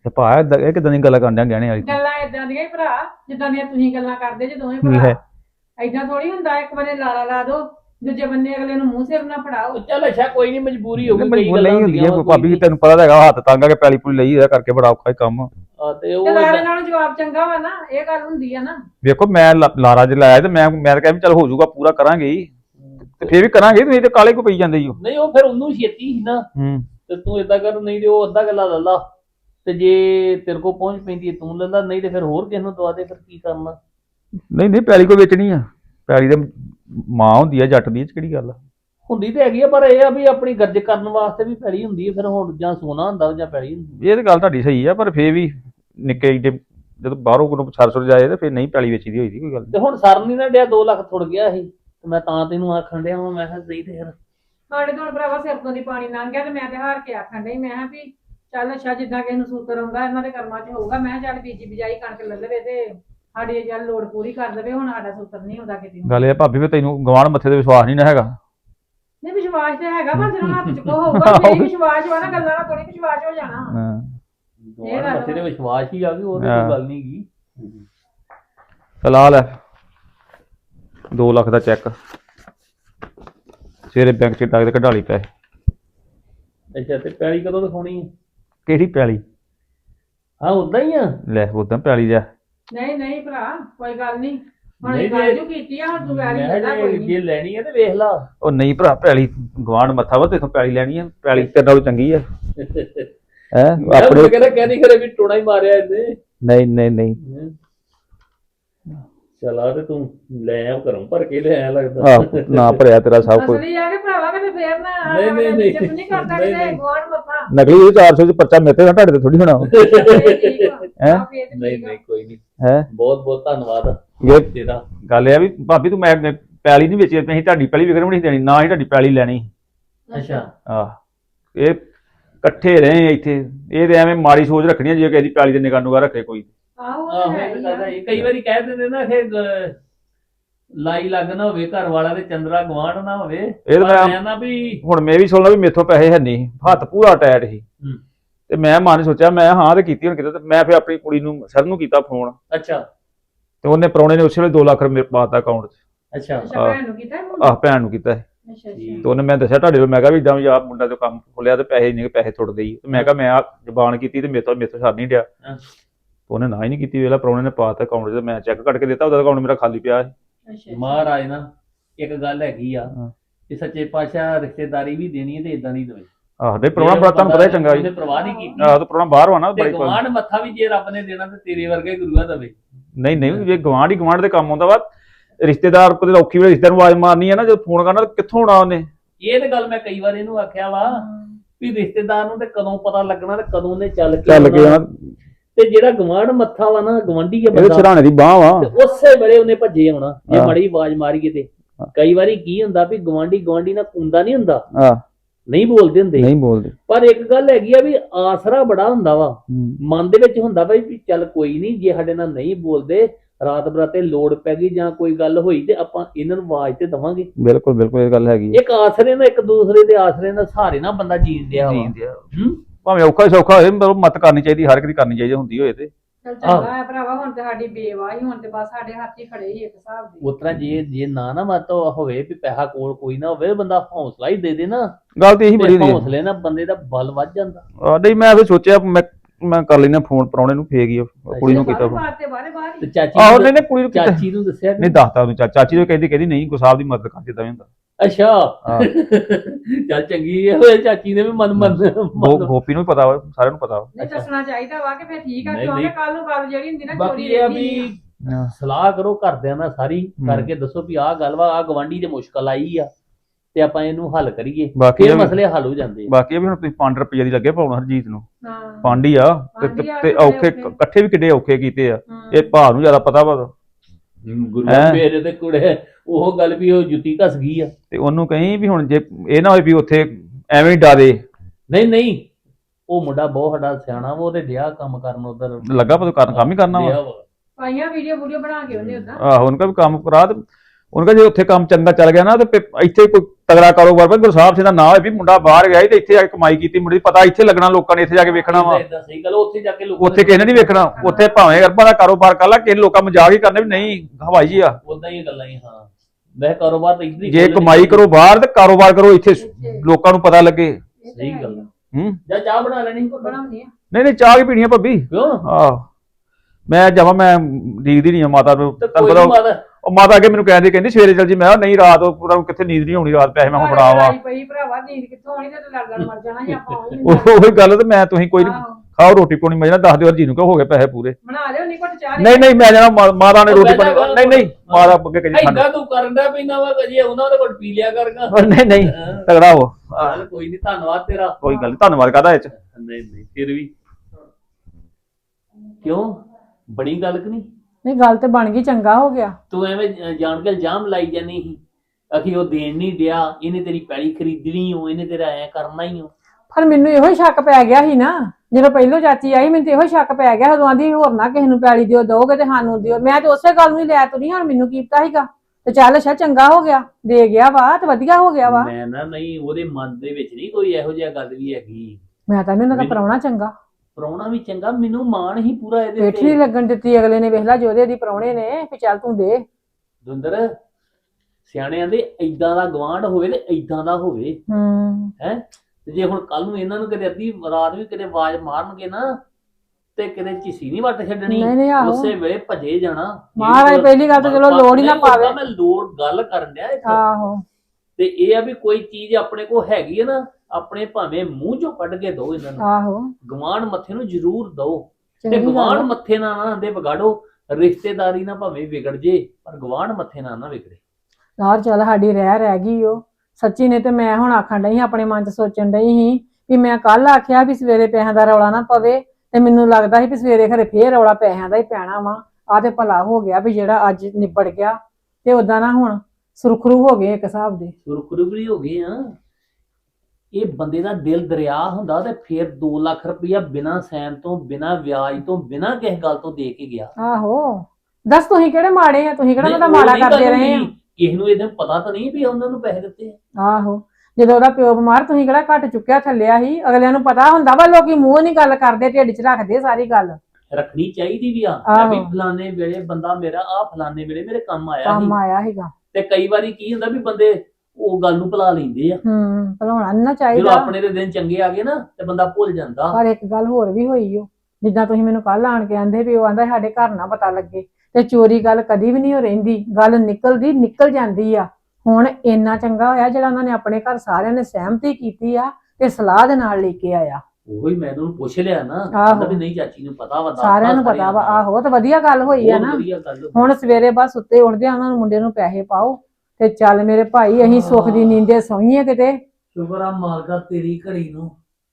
ਤੇ ਭਾ ਇਹ ਕਿਦਾਂ ਦੀ ਗੱਲਾਂ ਕਰਨ ਡਿਆ ਗਹਿਣੇ ਵਾਲੀ ਗੱਲਾਂ ਇਦਾਂ ਦੀਆਂ ਹੀ ਭਰਾ ਜਿੱਦਾਂ ਦੀਆਂ ਤੁਸੀਂ ਗੱਲਾਂ ਕਰਦੇ ਜੇ ਦੋਵੇਂ ਭਰਾ ਏਦਾਂ ਥੋੜੀ ਹੁੰਦਾ ਇੱਕ ਬੰਨੇ ਲਾਰਾ ਲਾ ਦੋ ਦੂਜੇ ਬੰਨੇ ਅਗਲੇ ਨੂੰ ਮੂੰਹ ਸਿਰ ਨਾ ਫੜਾਓ। ਚੱਲ ਅੱਛਾ ਕੋਈ ਨਹੀਂ ਮਜਬੂਰੀ ਹੋ ਗਈ ਮਜਬੂਰ ਨਹੀਂ ਹੁੰਦੀ ਹੈ ਭਾਬੀ ਤੈਨੂੰ ਪਤਾ ਤਾਂ ਹੈਗਾ ਹੱਥ ਤੰਗ ਆ ਕੇ ਪੈਲੀ ਪੂਲੀ ਲਈ ਇਹਦਾ ਕਰਕੇ ਬੜਾ ਔਖਾ ਹੀ ਕੰਮ ਤੇ ਉਹ ਤੇ ਲਾਰੇ ਨਾਲੋਂ ਜਵਾਬ ਚੰਗਾ ਵਾ ਨਾ ਇਹ ਗੱਲ ਹੁੰਦੀ ਆ ਨਾ। ਵੇਖੋ ਮੈਂ ਲਾਰਾ ਜੇ ਲਾਇਆ ਤੇ ਮੈਂ ਤਾਂ ਕਿਹਾ ਵੀ ਚੱਲ ਹੋ ਜਾਊਗਾ ਪੂਰਾ ਕਰਾਂਗੇ ਹੀ ਤੇ ਫੇਰ ਵੀ ਕਰਾਂਗੇ ਤੁਸੀਂ ਤੇ ਕਾਲੇ ਕੋ ਪਈ ਜਾਂਦੇ ਹੀ ਹੋ। ਨਹੀਂ ਉਹ ਫਿਰ ਉਹਨੂੰ ਛੇਤੀ ਸੀ ਨਾ ਤੇ ਤੂੰ ਏਦਾਂ ਕਰ ਨਹੀਂ ਤੇ ਉਹ ਅੱਧਾ ਗੱਲਾਂ ਲੈ ਲਾ ਤੇ ਜੇ ਤੇਰੇ ਕੋ ਪਹੁੰਚ ਪੈਂਦੀ ਤੂੰ ਲੈ ਲਾ ਨਹੀਂ ਤੇ ਫਿਰ ਹੋਰ ਕਿਸੇ ਨੂੰ ਦਵਾ ਦੇ ਫਿਰ ਕੀ ਕਰਨਾ। ਨਹੀਂ ਪੈਲੀ ਕੋ ਵੇਚਣੀ ਆ ਪੈਲੀ ਦੇ ਮਾਂ ਹੁੰਦੀ ਆ ਜੱਟ ਦੀ ਇਹ ਚ ਕਿਹੜੀ ਗੱਲ ਆ। ਹੁੰਦੀ ਤੇ ਹੈਗੀ ਆ ਪਰ ਇਹ ਆ ਵੀ ਆਪਣੀ ਗੱਜ ਕਰਨ ਵਾਸਤੇ ਵੀ ਪੈਲੀ ਹੁੰਦੀ ਹੈ ਫਿਰ ਹੁਣ ਜਾਂ ਸੋਨਾ ਹੁੰਦਾ ਜਾਂ ਪੈਲੀ ਹੁੰਦੀ। ਇਹ ਤਾਂ ਗੱਲ ਤੁਹਾਡੀ ਸਹੀ ਆ ਪਰ ਫੇਰ ਵੀ ਨਿੱਕੇ ਏਡੇ ਜਦੋਂ ਬਾਹਰੋਂ ਕੋਈ ਛੜ ਜਾਏ ਤੇ ਫੇਰ ਨਹੀਂ ਪੈਲੀ ਵੇਚੀ ਦੀ ਹੋਈ ਦੀ ਕੋਈ ਗੱਲ ਤੇ ਹੁਣ ਸਰ ਨਹੀਂ ਨਾ ਡਿਆ 2 ਲੱਖ ਥੁੜ ਗਿਆ ਸੀ ਤੇ ਮੈਂ ਤਾਂ ਤੈਨੂੰ ਆਖਣ ਡਿਆ ਹਾਂ ਮੈਂ ਕਿਹਾ ਸਹੀ ਤੇ ਫਿਰ ਸਾਡੇ ਤੋਂ ਭਰਾਵਾ ਸਿਰ ਤੋਂ ਦੀ ਪਾਣੀ ਲੰਘ ਗਿਆ ਤੇ ਮੈਂ ਤੇ ਹਾਰ ਕੇ ਆਖਣ ਡਈ ਮੈਂ ਕਿਹਾ ਵੀ ਚੱਲ ਅੱਛਾ ਜਿੱਦਾਂ ਕਿਸੇ ਨੂੰ ਸੂਤਰ ਆਉਂਦਾ ਇਹਨਾਂ ਦੇ ਕਰਮਾਂ 'ਚ ਹੋਊਗਾ ਮੈਂ ਕਿਹਾ ਚੱਲ ਬੀਜੀ ਬਿਜਾਈ ਕਣਕ ਲੈ ਲਵੇ ਤੇ ਸਾਡੀ ਚੱਲ ਲੋੜ ਪੂਰੀ ਕਰ ਦੇਵੇ ਹੁਣ ਸਾਡਾ ਸੂਤਰ ਨਹੀਂ ਹੁੰਦਾ ਕਿਤੇ। ਗੱਲ ਇਹ ਭਾਬੀ ਵੀ ਤੈਨੂੰ ਗਵਾਂਢ ਮੱਥੇ ਤੇ ਵਿਸ਼ਵਾਸ ਨਹੀਂ ਨਾ ਹੈਗਾ। ਨਹੀਂ ਵਿਸ਼ਵਾਸ ਤੇ ਹੈਗਾ ਪਰ ਜਦੋਂ ਹੱਥ 'ਚ ਕੋ ਹੋਊਗਾ ਫੇਰ ਵਿਸ਼ਵਾਸ ਵਾ ਨਾ ਗੱਲਾਂ ਨਾਲ ਥੋੜੀ ਵਿਸ਼ਵਾਸ ਹੋ ਜਾਣਾ। ਇਹ ਗੱਲ ਤੇਰੇ ਵਿਸ਼ਵਾਸ ਹੀ ਆ ਗਈ ਉਹ ਕੋਈ ਗੱਲ ਨਹੀਂ ਗਈ। ਫਿਲਹਾਲ 2 ਲੱਖ ਦਾ ਚੈੱਕ ਸਵੇਰੇ ਬੈਂਕ 'ਚ ਡਾਕ ਦੇ ਕਢਾ ਲਈ ਪੈਸੇ। ਅੱਛਾ ਤੇ ਪੈਲੀ ਕਦੋਂ ਦਿਖਾਉਣੀ ਹੈ? ਕਿਹੜੀ ਪੈਲੀ? ਹਾਂ ਉਦਾਂ ਹੀ ਆ ਲੈ ਉਦਾਂ ਪੈਲੀ ਜਾ ਨਹੀਂ ਨਹੀਂ ਭਰਾ ਕੋਈ ਗੱਲ ਨਹੀਂ ਹੁਣ ਨਹੀਂ ਇਹ ਗੱਲ ਜੋ ਕੀਤੀ ਆ ਹੁਣ ਤੂੰ ਵੈਲੀ ਲੈਣਾ ਕੋਈ ਨਹੀਂ। ਜੇ ਲੈਣੀ ਹੈ ਤੇ ਵੇਖ ਲਾ। ਉਹ ਨਹੀਂ ਭਰਾ ਪੈਲੀ ਗਵਾਂਢ ਮੱਥਾ ਵਾ ਤੇਥੋਂ ਪੈਲੀ ਲੈਣੀ ਆ ਪੈਲੀ ਤੇਰੇ ਨਾਲੋਂ ਚੰਗੀ ਆ ਹੈ ਆਪਣੇ ਕਹਿੰਦਾ ਕਹਿੰਦੀ ਖਰੇ ਵੀ ਟੋਣਾ ਹੀ ਮਾਰਿਆ ਇਹਨੇ। ਨਹੀਂ ਨਹੀਂ ਨਹੀਂ ਚਲਾ ਤੇ ਤੂੰ ਲੈ ਆ ਘਰੋਂ ਭਰ ਕੇ ਲੈ ਆ ਲੱਗਦਾ। ਆਹ ਨਾ ਭਰਿਆ ਤੇਰਾ ਸਭ ਕੁਝ ਅਸਲੀ ਆ ਕੇ ਭਰਾਵਾ ਕਿਤੇ ਫੇਰ ਨਾ ਨਹੀਂ ਨਹੀਂ ਕਰਦਾ ਕਿਤੇ ਗੋਣ ਮੱਥਾ ਨਕਲੀ 400 ਚ ਪਰਚਾ ਮੇਰੇ ਤੇ ਨਾ ਤੁਹਾਡੇ ਤੇ ਥੋੜੀ ਹੋਣਾ ਹੈ ਨਹੀਂ ਨਹੀਂ ਕੋਈ ਨਹੀਂ ਹੈ ਬਹੁਤ ਬਹੁਤ ਧੰਨਵਾਦ ਇਹ ਤੇਰਾ। ਗੱਲ ਇਹ ਆ ਵੀ ਭਾਬੀ ਤੂੰ ਮੈਂ ਪੈਲੀ ਨਹੀਂ ਵੇਚੀ ਅਸੀਂ ਤੁਹਾਡੀ ਪੈਲੀ ਵਿਕਣ ਵੀ ਨਹੀਂ ਦੇਣੀ ਨਾ ਹੀ ਤੁਹਾਡੀ ਪੈਲੀ ਲੈਣੀ। ਅੱਛਾ ਆਹ ਇਹ ਇਕੱਠੇ ਰਹੇ ਇੱਥੇ ਇਹ ਤੇ ਐਵੇਂ ਮਾੜੀ ਸੋਚ ਰੱਖਣੀ ਜੇ ਕਿਸੇ ਦੀ ਪੈਲੀ ਦੇ ਨਿਗਾਹ ਨੂਗਾ ਰੱਖੇ ਕੋਈ। ਆਹੋ ਕਈ ਵਾਰੀ ਕਹਿ ਦਿੰਦੇ ਨਾ ਕਿ ਲਾਈ ਲੱਗ ਨਾ ਹੋਵੇ ਘਰ ਵਾਲਾ ਤੇ ਚੰਦਰਾ ਗਵਾਂਢ ਨਾ ਹੋਵੇ। ਇਹ ਤਾਂ ਮੈਂ ਨਾ ਵੀ ਹੁਣ ਮੈਂ ਵੀ ਸੁਣਦਾ ਵੀ ਮੇਥੋਂ ਪੈਸੇ ਹੈ ਨਹੀਂ ਹੱਥ ਪੂਰਾ ਟਾਇਟ ਸੀ ਤੇ ਮੈਂ ਮਨ ਸੋਚਿਆ ਮੈਂ ਹਾਂ ਤੇ ਕੀਤੀ ਹੁਣ ਕਿਤੇ ਤੇ ਮੈਂ ਫਿਰ ਆਪਣੀ ਕੁੜੀ ਨੂੰ ਸਰ ਨੂੰ ਕੀਤਾ ਫੋਨ ਅੱਛਾ ਤੇ ਉਹਨੇ ਪ੍ਰਾਹੁਣੇ ਨੇ ਉਸੇ ਵੇਲੇ 2 ਲੱਖ ਰੁਪਏ ਪਾਤਾ ਅਕਾਊਂਟ 'ਚ। ਅੱਛਾ ਭੈਣ ਨੂੰ ਕੀਤਾ ਆਹ ਭੈਣ ਨੂੰ ਕੀਤਾ ਅੱਛਾ ਤੇ ਉਹਨੇ ਮੈਂ ਦੱਸਿਆ ਤੁਹਾਡੇ ਕੋਲ ਮੈਂ ਕਿਹਾ ਵੀ ਇਦਾਂ ਵੀ ਆਹ ਮੁੰਡਾ ਤੋਂ ਕੰਮ ਖੋਲਿਆ ਤੇ ਪੈਸੇ ਨਹੀਂ ਪੈਸੇ ਥੁੱਟਦੇ ਹੀ ਤੇ ਮੈਂ ਕਿਹਾ ਮੈਂ ਆ ਜ਼ਬਾਨ ਕੀਤੀ ਤੇ ਮੇਥੋਂ ਸਰ ਨਹੀਂ ਡਿਆ। ਉਹਨੇ ਨਾ ਹੀ ਨਹੀਂ ਕੀਤੀ ਵੇਲਾ ਪ੍ਰਾਹੁਣੇ ਨੇ ਪਾਤਾ ਅਕਾਊਂਟ 'ਚ ਤੇ ਮੈਂ ਚੈੱਕ ਕੱਟ ਕੇ ਦਿੱਤਾ ਉਹਦਾ ਅਕਾਊਂਟ ਮੇਰਾ ਖਾਲੀ ਪਿਆ ਸੀ। ਮਹਾਰਾਜ ਨਾ ਇੱਕ ਗੱਲ ਹੈਗੀ ਆ ਕਿ ਸੱਚੇ ਪਾਤਸ਼ਾਹ ਰਿਸ਼ਤੇਦਾਰੀ ਵੀ ਦੇਣੀ ਹੈ ਤੇ ਇਦਾਂ ਨਹੀਂ ਦੇਵੇ। ਆਹ ਦੇ ਪ੍ਰਾਹੁਣਾ ਬੜਾ ਤੁਹਾਨੂੰ ਪਤਾ ਚੰਗਾ ਜੀ। ਪਰਵਾਹ ਨਹੀਂ ਕੀਤੀ। ਆਹ ਤਾਂ ਪ੍ਰਾਹੁਣਾ ਬਾਹਰ ਵਾ ਨਾ ਬੜੀ ਗਵਾਂਢ ਮੱਥਾ ਵੀ ਜੇ ਰੱਬ ਨੇ ਦੇਣਾ ਤੇ ਤੇਰੇ ਵਰਗੇ ਗੁਰੂਆਂ ਦਵੇ। ਨਹੀਂ ਨਹੀਂ ਜੇ ਗਵਾਂਢ ਹੀ ਗਵਾਂਢ ਦੇ ਕੰਮ ਆਉਂਦਾ ਵਾ ਰਿਸ਼ਤੇਦਾਰ ਕੋਲ ਔਖੀ ਵੇਲੇ ਰਿਸ਼ਤੇਦਾਰ ਨੂੰ ਆਵਾਜ਼ ਮਾਰਨੀ ਹੈ ਨਾ ਜਦੋਂ ਫੋਨ ਕਰਨਾ ਕਿੱਥੋਂ ਆਉਣਾ ਉਹਨੇ। ਇਹ ਤੇ ਗੱਲ ਮੈਂ ਕਈ ਵਾਰ ਇਹਨੂੰ ਆਖਿਆ ਵਾ ਵੀ ਰਿਸ਼ਤੇਦਾਰ ਨੂੰ ਤੇ ਕਦੋਂ ਪਤਾ ਲੱਗਣਾ ਤੇ ਕਦੋਂ ਉਹਨੇ ਚੱਲ ਕੇ ਆਉਣਾ ਤੇ ਜਿਹੜਾ ਗਵਾਂਢ ਮੱਥਾ ਵਾ ਨਾ ਗਵਾਂਢੀ ਆ ਇਹਦੇ ਸਿਰਹਾਣੇ ਦੀ ਬਾਹ ਵਾ ਤੇ ਉਸੇ ਵੇਲੇ ਉਹਨੇ ਭੱਜੇ ਆਉਣਾ ਜੇ ਮੜੀ ਆਵਾਜ਼ ਮਾਰੀਏ ਤੇ। ਕਈ ਵਾਰੀ ਕੀ ਹੁੰਦਾ ਵੀ ਗਵਾਂਢੀ ਨਾਲ ਕੁੰਦਾ ਨਹੀਂ ਹੁੰਦਾ ਨਹੀਂ ਬੋਲਦੇ ਹੁੰਦੇ ਨਹੀਂ ਬੋਲਦੇ ਪਰ ਇੱਕ ਗੱਲ ਹੈਗੀ ਆ ਵੀ ਆਸਰਾ ਬੜਾ ਹੁੰਦਾ ਵਾ ਮਨ ਦੇ ਵਿੱਚ ਹੁੰਦਾ ਵਾ ਵੀ ਚੱਲ ਕੋਈ ਨਹੀਂ ਜੇ ਸਾਡੇ ਨਾਲ ਨਹੀਂ ਬੋਲਦੇ ਰਾਤ ਬਰਾਤੇ ਲੋੜ ਪੈ ਗਈ ਜਾਂ ਕੋਈ ਗੱਲ ਹੋਈ ਤੇ ਆਪਾਂ ਇਹਨਾਂ ਨੂੰ ਆਵਾਜ਼ ਤੇ ਦਵਾਂਗੇ। ਬਿਲਕੁਲ ਬਿਲਕੁਲ ਇਹ ਗੱਲ ਹੈਗੀ ਇੱਕ ਆਸਰੇ ਨਾਲ ਇੱਕ ਦੂਸਰੇ ਦੇ ਆਸਰੇ ਨਾਲ ਸਹਾਰੇ ਨਾਲ ਬੰਦਾ ਜੀਣ ਡਿਆ ਭਾਵੇਂ ਔਖਾ ਸੌਖਾ ਹੋਏ ਪਰ ਮਤ ਕਰਨੀ ਚਾਹੀਦੀ ਹਰ ਇੱਕ ਦੀ ਕਰਨੀ ਚਾਹੀਦੀ ਹੁੰਦੀ ਹੋਏ ਤੇ। ਚੱਲ ਚੰਗਾ ਹੈ ਭਰਾਵਾ ਹੁਣ ਤੇ ਸਾਡੀ ਬੇਵਾਹੀ ਹੁਣ ਤੇ ਬਸ ਸਾਡੇ ਹੱਥ ਹੀ ਖੜੇ ਹੀ ਇੱਕ ਹਿਸਾਬ ਦੇ। ਉਸ ਤਰ੍ਹਾਂ ਜੇ ਨਾ ਮਤ ਹੋਵੇ ਵੀ ਪੈਸਾ ਕੋਲ ਕੋਈ ਨਾ ਹੋਵੇ ਬੰਦਾ ਹੌਸਲਾ ਹੀ ਦੇ ਦੇ ਨਾ ਗੱਲ ਤੇ ਇਹੀ ਬੜੀ ਹੁੰਦੀ ਹੌਸਲੇ ਨਾਲ ਬੰਦੇ ਦਾ ਬਲ ਵੱਧ ਜਾਂਦਾ। ਨਹੀਂ ਮੈਂ ਫਿਰ ਸੋਚਿਆ ਮੈਂ ਕਰ ਲੈਣਾ ਫੋਨ ਪ੍ਰਾਹੁਣੇ ਨੂੰ ਫੇਰ ਗਈ ਕੁੜੀ ਨੂੰ ਕੀਤਾ ਫੋਨ ਤੇ ਚਾਚੀ ਆਹੋ ਨਹੀਂ ਕੁੜੀ ਨੂੰ ਚਾਚੀ ਨੂੰ ਦੱਸਿਆ ਨਹੀਂ ਦੱਸਤਾ ਉਹਨੂੰ ਚਾਚੀ ਨੂੰ ਕਹਿੰਦੀ ਨਹੀਂ ਗੁਸਾਬ ਦੀ ਮਦਦ ਕਰ ਜਿੱਦਾਂ ਵੀ ਹੁੰਦਾ। ਅੱਛਾ ਚੱਲ ਚੰਗੀ ਹੋਏ ਚਾਚੀ ਨੇ ਵੀ ਮਨ ਗੋਪੀ ਨੂੰ ਵੀ ਪਤਾ ਵਾ ਸਾਰਿਆਂ ਨੂੰ ਪਤਾ ਵਾ। ਨਹੀਂ ਦੱਸਣਾ ਚਾਹੀਦਾ ਵਾ ਕਿ ਫੇਰ ਠੀਕ ਆ ਕਿਉਂਕਿ ਕੱਲ ਨੂੰ ਗੱਲ ਜਿਹੜੀ ਹੁੰਦੀ ਨਾ ਚੋਰੀ ਬਾਕੀ ਇਹ ਵੀ ਸਲਾਹ ਕਰੋ ਘਰਦਿਆਂ ਨਾਲ ਸਾਰੀ ਕਰਕੇ ਦੱਸੋ ਵੀ ਆਹ ਗੱਲ ਵਾ ਆਹ ਗਵਾਂਢੀ ਤੇ ਮੁਸ਼ਕਲ ਆਈ ਆ ਤੇ ਆਪਾਂ ਇਹਨੂੰ ਹੱਲ ਕਰੀਏ ਫਿਰ ਮਸਲੇ ਹੱਲ ਹੋ ਜਾਂਦੇ। ਬਾਕੀ ਇਹ ਵੀ ਹੁਣ ਤੁਸੀਂ 5 ਰੁਪਏ ਦੀ ਲੱਗੇ ਪਾਉਣਾ ਹਰਜੀਤ ਨੂੰ ਪਾਂਡੀ ਆ ਤੇ ਔਖੇ ਇਕੱਠੇ ਵੀ ਕਿੱਡੇ ਔਖੇ ਕੀਤੇ ਆ ਇਹ ਭਾ ਨੂੰ ਜ਼ਿਆਦਾ ਪਤਾ ਵਾ। ਗੁਰੂ ਮੇਰੇ ਤੇ ਕੁੜੇ ਉਹ ਗੱਲ ਵੀ ਉਹ ਜੁੱਤੀ ਘਸ ਗਈ ਆ ਤੇ ਉਹਨੂੰ ਕਹੀਂ ਵੀ ਹੁਣ ਜੇ ਇਹ ਨਾ ਹੋਏ ਵੀ ਉੱਥੇ ਐਵੇਂ ਹੀ ਡਾਦੇ। ਨਹੀਂ ਉਹ ਮੁੰਡਾ ਬਹੁਤ ਸਾਡਾ ਸਿਆਣਾ ਵਾ ਉਹਦੇ ਡਿਆ ਕੰਮ ਕਰਨ ਉਧਰ ਲੱਗਾ ਪਤਾ ਕਰਨ ਕੰਮ ਹੀ ਕਰਨਾ ਵਾ ਪਾਈਆਂ ਵੀਡੀਓ ਬਣਾ ਕੇ ਉਹਨੇ ਉਦਾਂ ਆਹੋ ਉਹਨਾਂ ਦਾ ਵੀ ਕੰਮ ਕਰਾ ਤੇ ਉਹਨਾਂ ਦਾ ਜੇ ਉੱਥੇ ਕੰਮ ਚੰਗਾ ਚੱਲ ਗਿਆ ਨਾ ਤੇ ਇੱਥੇ ਕੋਈ ਤਗੜਾ ਕਾਰੋਬਾਰ ਪਰ ਗੁਰਸਾਹਿਬ ਸਿੰਘ ਦਾ ਨਾਂ ਹੈ ਵੀ ਮੁੰਡਾ ਬਾਹਰ ਗਿਆ ਸੀ ਤੇ ਇੱਥੇ ਜਾ ਕੇ ਕਮਾਈ ਕੀਤੀ, ਮੁੰਡੇ ਦੀ ਪਤਾ ਇੱਥੇ ਲੱਗਣਾ, ਲੋਕਾਂ ਨੇ ਇੱਥੇ ਜਾ ਕੇ ਵੇਖਣਾ ਵਾ। ਏਦਾਂ ਸਹੀ ਗੱਲ, ਉੱਥੇ ਜਾ ਕੇ ਲੋਕਾਂ ਉੱਥੇ ਕਿਸੇ ਨੇ ਨਹੀਂ ਵੇਖਣਾ, ਉੱਥੇ ਭਾਵੇਂ ਅਰਬਾਂ ਦਾ ਕਾਰੋਬਾਰ ਕਰ ਲਾ, ਕਿਸੇ ਲੋਕਾਂ ਮਜ਼ਾਕ ਹੀ ਕਰਨੇ ਵੀ ਨਹੀਂ ਹਵਾਈ ਜੀ ਆ। ਉਦਾਂ ਹੀ ਗੱਲਾਂ ਹੀ, ਹਾਂ ਵੈਸੇ ਕਾਰੋਬਾਰ ਤਾਂ ਇੱਧਰ ਹੀ ਜੇ ਖੋਲ੍ਹਣੇ ਕਮਾਈ ਕਰੋ ਬਾਹਰ ਤੇ ਕਾਰੋਬਾਰ ਕਰੋ ਇੱਥੇ, ਲੋਕਾਂ ਨੂੰ ਪਤਾ ਲੱਗੇ। ਸਹੀ ਗੱਲ ਆ। ਹੂੰ ਜਾਂ ਚਾਹ ਬਣਾ ਲੈਣੀ ਕੋਈ ਬਣਾਉਂਦੀ ਆ। ਨਹੀਂ ਚਾਹ ਕੀ ਪੀਣੀ ਆ ਭਾਬੀ? ਕਿਉਂ ਆਹ ਮੈਂ ਜਾਵਾਂ, ਮੈਂ ਡੀਕਦੀ ਨਹੀਂ ਆ ਮਾਤਾ ਨੂੰ, ਤੇ ਤੁਹਾਨੂੰ ਕੋਈ ਨੀ ਪਤਾ ਮਾਤਾ ਉਹ ਮਾਤਾ ਅੱਗੇ ਮੈਨੂੰ ਕਹਿੰਦੀ ਸਵੇਰੇ ਚੱਲ ਜੀ। ਮੈਂ ਕਿਹਾ ਨਹੀਂ ਰਾਤ ਪੂਰਾ ਕਿੱਥੇ ਨੀਂਦ ਨਹੀਂ ਆਉਣੀ, ਰਾਤ ਪੈਸੇ ਮੈਂ ਹੁਣ ਫੜਾ ਵਾ। ਪਈ ਭਰਾਵਾ ਨੀਂਦ ਕਿੱਥੋਂ ਆਉਣੀ ਤੇ ਲੜ ਮਰ ਜਾਣਾ ਸੀ ਆਪਾਂ ਉਹੀ ਗੱਲ ਤੇ ਮੈਂ ਤੁਸੀਂ ਕੋਈ ਨੀ ਖਾਓ ਰੋਟੀ ਪਾਣੀ, ਮੈਂ ਦੱਸ ਦਿਓ ਜੀ ਨੂੰ ਕਿਉਂ ਹੋ ਗਏ ਪੈਸੇ ਪੂਰੇ। ਬਣਾ ਲਿਓ ਨਹੀਂ ਘਟ ਚਾਹ ਨਹੀਂ ਮੈਂ ਜਾਣਾ ਮਾਤਾ ਨੇ ਰੋਟੀ ਪਾਣੀ, ਨਹੀਂ ਮਾਤਾ ਅੱਗੇ ਕਹੀ ਖਾਣਾ। ਏਦਾਂ ਤੂੰ ਕਰਨ ਦਾ ਪੈਂਦਾ ਵਾ ਕਜੇ ਉਹਨਾਂ ਦੇ ਕੋਲ ਪੀ ਲਿਆ ਕਰਗਾ। ਨਹੀਂ ਤਗੜਾ ਹੋ। ਚੱਲ ਕੋਈ ਨਹੀਂ, ਧੰਨਵਾਦ ਤੇਰਾ। ਕੋਈ ਗੱਲ ਨੀ, ਧੰਨਵਾਦ ਕਾਹਦਾ ਇਹ ਚ। ਨਹੀਂ ਫਿਰ ਵੀ ਕਿਉਂ ਬੜੀ ਗੱਲ ਕਿ ਨਹੀਂ? ਨਹੀਂ ਗੱਲ ਤੇ ਬਣ ਗਈ, ਚੰਗਾ ਹੋ ਗਿਆ। ਤੂੰ ਐਵੇਂ ਜਾਣ ਕੇ ਇਲਜ਼ਾਮ ਲਾਈ ਜਾਨੀ ਸੀ ਅਖੀ ਉਹ ਦੇਣ ਨਹੀਂ ਡਿਆ, ਇਹਨੇ ਤੇਰੀ ਪੈਲੀ ਖਰੀਦਣੀ ਹੋ, ਇਹਨੇ ਤੇਰਾ ਐ ਕਰਨਾ ਹੀ ਹੋ। ਪਰ ਮੈਨੂੰ ਇਹੋ ਹੀ ਸ਼ੱਕ ਪੈ ਗਿਆ ਸੀ ਨਾ, ਜਦੋਂ ਪਹਿਲੋਂ ਚਾਚੀ ਆਈ ਮੈਨੂੰ ਤੇ ਇਹੋ ਸ਼ੱਕ ਪੈ ਗਿਆ, ਉਦੋਂ ਆਂਦੀ ਹੋਰ ਨਾ ਕਿਸੇ ਨੂੰ ਪੈਲੀ ਦਿਓ, ਦੋਗੇ ਤੇ ਸਾਨੂੰ ਦਿਓ। ਮੈਂ ਤੇ ਉਸੇ ਗੱਲ ਨੂੰ ਹੀ ਲੈ ਤੁਰੀ, ਹੁਣ ਮੈਨੂੰ ਕੀ ਪਤਾ ਸੀਗਾ। ਤੇ ਚੱਲ ਅੱਛਾ ਚੰਗਾ ਹੋ ਗਿਆ, ਦੇ ਗਿਆ ਵਾ ਤੇ ਵਧੀਆ ਹੋ ਗਿਆ ਵਾ। ਮੈਂ ਨਾ ਨਹੀਂ ਉਹਦੇ ਮਨ ਦੇ ਵਿੱਚ ਨਹੀਂ ਕੋਈ ਇਹੋ ਜਿਹਾ ਗੱਲ ਵੀ ਹੈਗੀ। ਮੈਂ ਤਾਂ ਇਹਨਾਂ ਦਾ ਪ੍ਰਾਹੁਣਾ ਚੰਗਾ, ਪ੍ਰਾਹੁਣਾ ਵੀ ਚੰਗਾ, ਮੈਨੂੰ ਮਾਣ ਹੀ ਪੂਰਾ ਇਹਦੇ ਪੇਠੀ ਨਹੀਂ ਲੱਗਣ ਦਿੱਤੀ ਅਗਲੇ ਨੇ। ਵੇਖ ਲਾ ਜੋਦੇ ਦੀ ਪ੍ਰਾਹੁਣੇ ਨੇ ਵੀ ਚੱਲ ਤੂੰ ਦੇ। ਦੁੰਦਰ ਸਿਆਣੇ ਆਂਦੇ ਏਦਾਂ ਦਾ ਗਵਾਂਢ ਹੋਵੇ ਤੇ ਏਦਾਂ ਦਾ ਹੋਵੇ ਹੈ। ਤੇ ਜੇ ਹੁਣ ਕੱਲ ਨੂੰ ਇਹਨਾਂ ਨੂੰ ਕਿਤੇ ਅੱਧੀ ਰਾਤ ਵੀ ਕਿਤੇ ਆਵਾਜ਼ ਮਾਰਨਗੇ ਨਾ ਤੇ ਕਿਤੇ ਝਿੱਸੀ ਨਹੀਂ ਵੱਟ ਛੱਡਣੀ, ਨਹੀਂ ਆਹੋ ਉਸੇ ਵੇਲੇ ਭਜੇ ਜਾਣਾ। ਮਹਾਰਾਜ ਪਹਿਲੀ ਗੱਲ ਤਾਂ ਚਲੋ ਲੋੜ ਹੀ ਨਾ ਪਾਵੇ। ਮੈਂ ਲੋੜ ਗੱਲ ਕਰਨ ਡਿਆ ਇੱਥੇ। ਆਹੋ ਤੇ ਇਹ ਆ ਵੀ ਕੋਈ ਚੀਜ਼ ਆਪਣੇ ਕੋਲ ਹੈਗੀ ਹੈ ਨਾ, ਆਪਣੇ ਭਾਵੇਂ ਮੂੰਹ ਚੋਂ ਕੱਢ ਕੇ ਦੋ ਇਹਨਾਂ ਨੂੰ, ਆਹੋ ਗਵਾਂਢ ਮੱਥੇ ਨੂੰ ਜ਼ਰੂਰ ਦੋ। ਤੇ ਚੰਗੀ ਗੱਲ ਗਵਾਂਢ ਆ। ਮੱਥੇ ਨਾਲ ਨਾ ਦੇ ਵਿਗਾੜੋ, ਰਿਸ਼ਤੇਦਾਰੀ ਨਾ ਭਾਵੇਂ ਵਿਗੜ ਜੇ ਪਰ ਗਵਾਂਢ ਮੱਥੇ ਨਾਲ ਨਾ ਵਿਗੜੇ। ਯਾਰ ਚੱਲ ਸਾਡੀ ਰਹਿ ਗਈ ਉਹ ਸੱਚੀ ਨੇ। ਤੇ ਮੈਂ ਹੁਣ ਆਖਣ ਡਈ ਆਪਣੇ ਮਨ 'ਚ ਸੋਚਣ ਡਈ ਸੀ ਵੀ ਮੈਂ ਕੱਲ ਆਖਿਆ ਵੀ ਸਵੇਰੇ ਪੈਸਿਆਂ ਦਾ ਰੌਲਾ ਨਾ ਪਵੇ, ਤੇ ਮੈਨੂੰ ਲੱਗਦਾ ਸੀ ਵੀ ਸਵੇਰੇ ਖਰੇ ਫੇਰ ਰੌਲਾ ਪੈਸਿਆਂ ਦਾ ਹੀ ਪੈਣਾ ਵਾ। ਆਹ ਤੇ ਭਲਾ ਹੋ ਗਿਆ ਵੀ ਜਿਹੜਾ ਅੱਜ ਨਿਬੜ ਗਿਆ, ਤੇ ਓਦਾਂ ਨਾ ਹੁਣ ਸੁਰਖਰੂ ਹੋ ਗਏ ਇੱਕ ਹਿਸਾਬ ਦੇ। ਸੁਰਖਰੂ ਵੀ ਹੋ ਗਏ ਆ। ਇਹ ਬੰਦੇ ਦਾ ਦਿਲ ਦਰਿਆ ਹੁੰਦਾ ਤੇ ਫਿਰ 2 ਲੱਖ ਰੁਪਇਆ ਬਿਨਾਂ ਸੈਨ ਤੋਂ, ਬਿਨਾਂ ਵਿਆਜ ਤੋਂ, ਬਿਨਾਂ ਕਿਸੇ ਗੱਲ ਤੋਂ ਦੇ ਕੇ ਗਿਆ। ਆਹੋ ਦੱਸ ਤੁਸੀਂ ਕਿਹੜੇ ਮਾੜੇ ਆ? ਤੁਸੀਂ ਕਿਹੜਾ ਉਹਦਾ ਨਹੀਂ, ਮਾੜਾ ਉਹ ਨਹੀਂ ਕਰਦੇ ਗੱਲ ਰਹੇ ਆ? ਨਹੀਂ, ਕਿਸੇ ਨੂੰ ਇਹਦਾ ਪਤਾ ਤਾਂ ਨਹੀਂ ਵੀ ਉਹਨਾਂ ਨੂੰ ਪੈਸੇ ਦਿੱਤੇ ਆ। ਆਹੋ ਜਦੋਂ ਉਹਦਾ ਪਿਓ ਬਿਮਾਰ ਤੁਸੀਂ ਕਿਹੜਾ ਘੱਟ ਚੁੱਕਿਆ ਥੱਲਿਆ ਸੀ? ਅਗਲਿਆਂ ਨੂੰ ਪਤਾ ਹੁੰਦਾ ਵਾ, ਲੋਕੀ ਮੂੰਹ ਨਹੀਂ ਗੱਲ ਕਰਦੇ, ਢਿੱਡ 'ਚ ਰੱਖਦੇ ਸਾਰੀ ਗੱਲ। ਰੱਖਣੀ ਚਾਹੀਦੀ ਵੀ ਆ ਆਹੋ। ਵੀ ਫਲਾਣੇ ਵੇਲੇ ਬੰਦਾ ਮੇਰਾ ਫਲਾਣੇ ਵੇਲੇ ਮੇਰੇ ਕੰਮ ਆਇਆ ਕੰਮ ਸੀ। ਆਇਆ ਸੀਗਾ। ਤੇ ਕਈ ਵਾਰੀ ਕੀ ਹੁੰਦਾ ਵੀ ਬੰਦੇ ਉਹ ਗੱਲ ਨੂੰ ਭੁਲਾ ਲੈਂਦੇ ਆ। ਭੁਲਾਉਣਾ ਨੀ ਨਾ ਜਦੋਂ ਚਾਹੀਦਾ। ਆਪਣੇ ਦੇ ਦਿਨ ਚੰਗੇ ਆ ਗਏ ਨਾ ਤੇ ਬੰਦਾ ਭੁੱਲ ਜਾਂਦਾ। ਪਰ ਇੱਕ ਗੱਲ ਹੋਰ ਵੀ ਹੋਈ ਓ, ਜਿੱਦਾਂ ਤੁਸੀਂ ਮੈਨੂੰ ਕੱਲ ਆਣ ਕੇ ਆਂਦੇ ਵੀ ਉਹ ਆਂਦਾ ਸਾਡੇ ਘਰ ਨਾ ਪਤਾ ਲੱਗੇ, ਤੇ ਚੋਰੀ ਗੱਲ ਕਦੀ ਵੀ ਨਹੀਂ ਹੋ ਰਹਿੰਦੀ, ਗੱਲ ਨਿਕਲ ਜਾਂਦੀ ਆ। ਹੁਣ ਇੰਨਾ ਚੰਗਾ ਹੋਇਆ ਜਿਹੜਾ ਉਹਨਾਂ ਨੇ ਆਪਣੇ ਘਰ ਸਾਰਿਆਂ ਨੇ ਸਹਿਮਤੀ ਕੀਤੀ ਆ ਤੇ ਸਲਾਹ ਦੇ ਨਾਲ ਲੈ ਕੇ ਆਇਆ। ਉਹੀ ਮੈਂ ਉਹਨੂੰ ਪੁੱਛ ਲਿਆ ਨਾ, ਆਹੋ। ਕਹਿੰਦਾ ਵੀ ਨਹੀਂ ਚਾਚੀ ਨੂੰ ਪਤਾ ਵਾ, ਸਾਰਿਆਂ ਨੂੰ ਪਤਾ ਵਾ। ਆਹੋ ਤੇ ਵਧੀਆ ਗੱਲ ਹੋਈ ਆ ਨਾ। ਵਧੀਆ ਗੱਲ। ਹੁਣ ਸਵੇਰੇ ਬਸ ਸੁੱਤੇ ਉੱਠਦੇ ਉਹਨਾਂ ਨੂੰ ਮੁੰਡੇ ਨੂੰ ਪੈਸੇ ਪਾਓ ਤੇ ਚੱਲ ਮੇਰੇ ਭਾਈ ਅਸੀਂ ਸੁੱਖ ਦੀ ਨੀਂਦੇ ਸੋਈਏ ਕਿਤੇ। ਸ਼ੁਕਰ ਆ ਮਾਲਕਾ ਤੇਰੀ ਘੜੀ ਨੂੰ,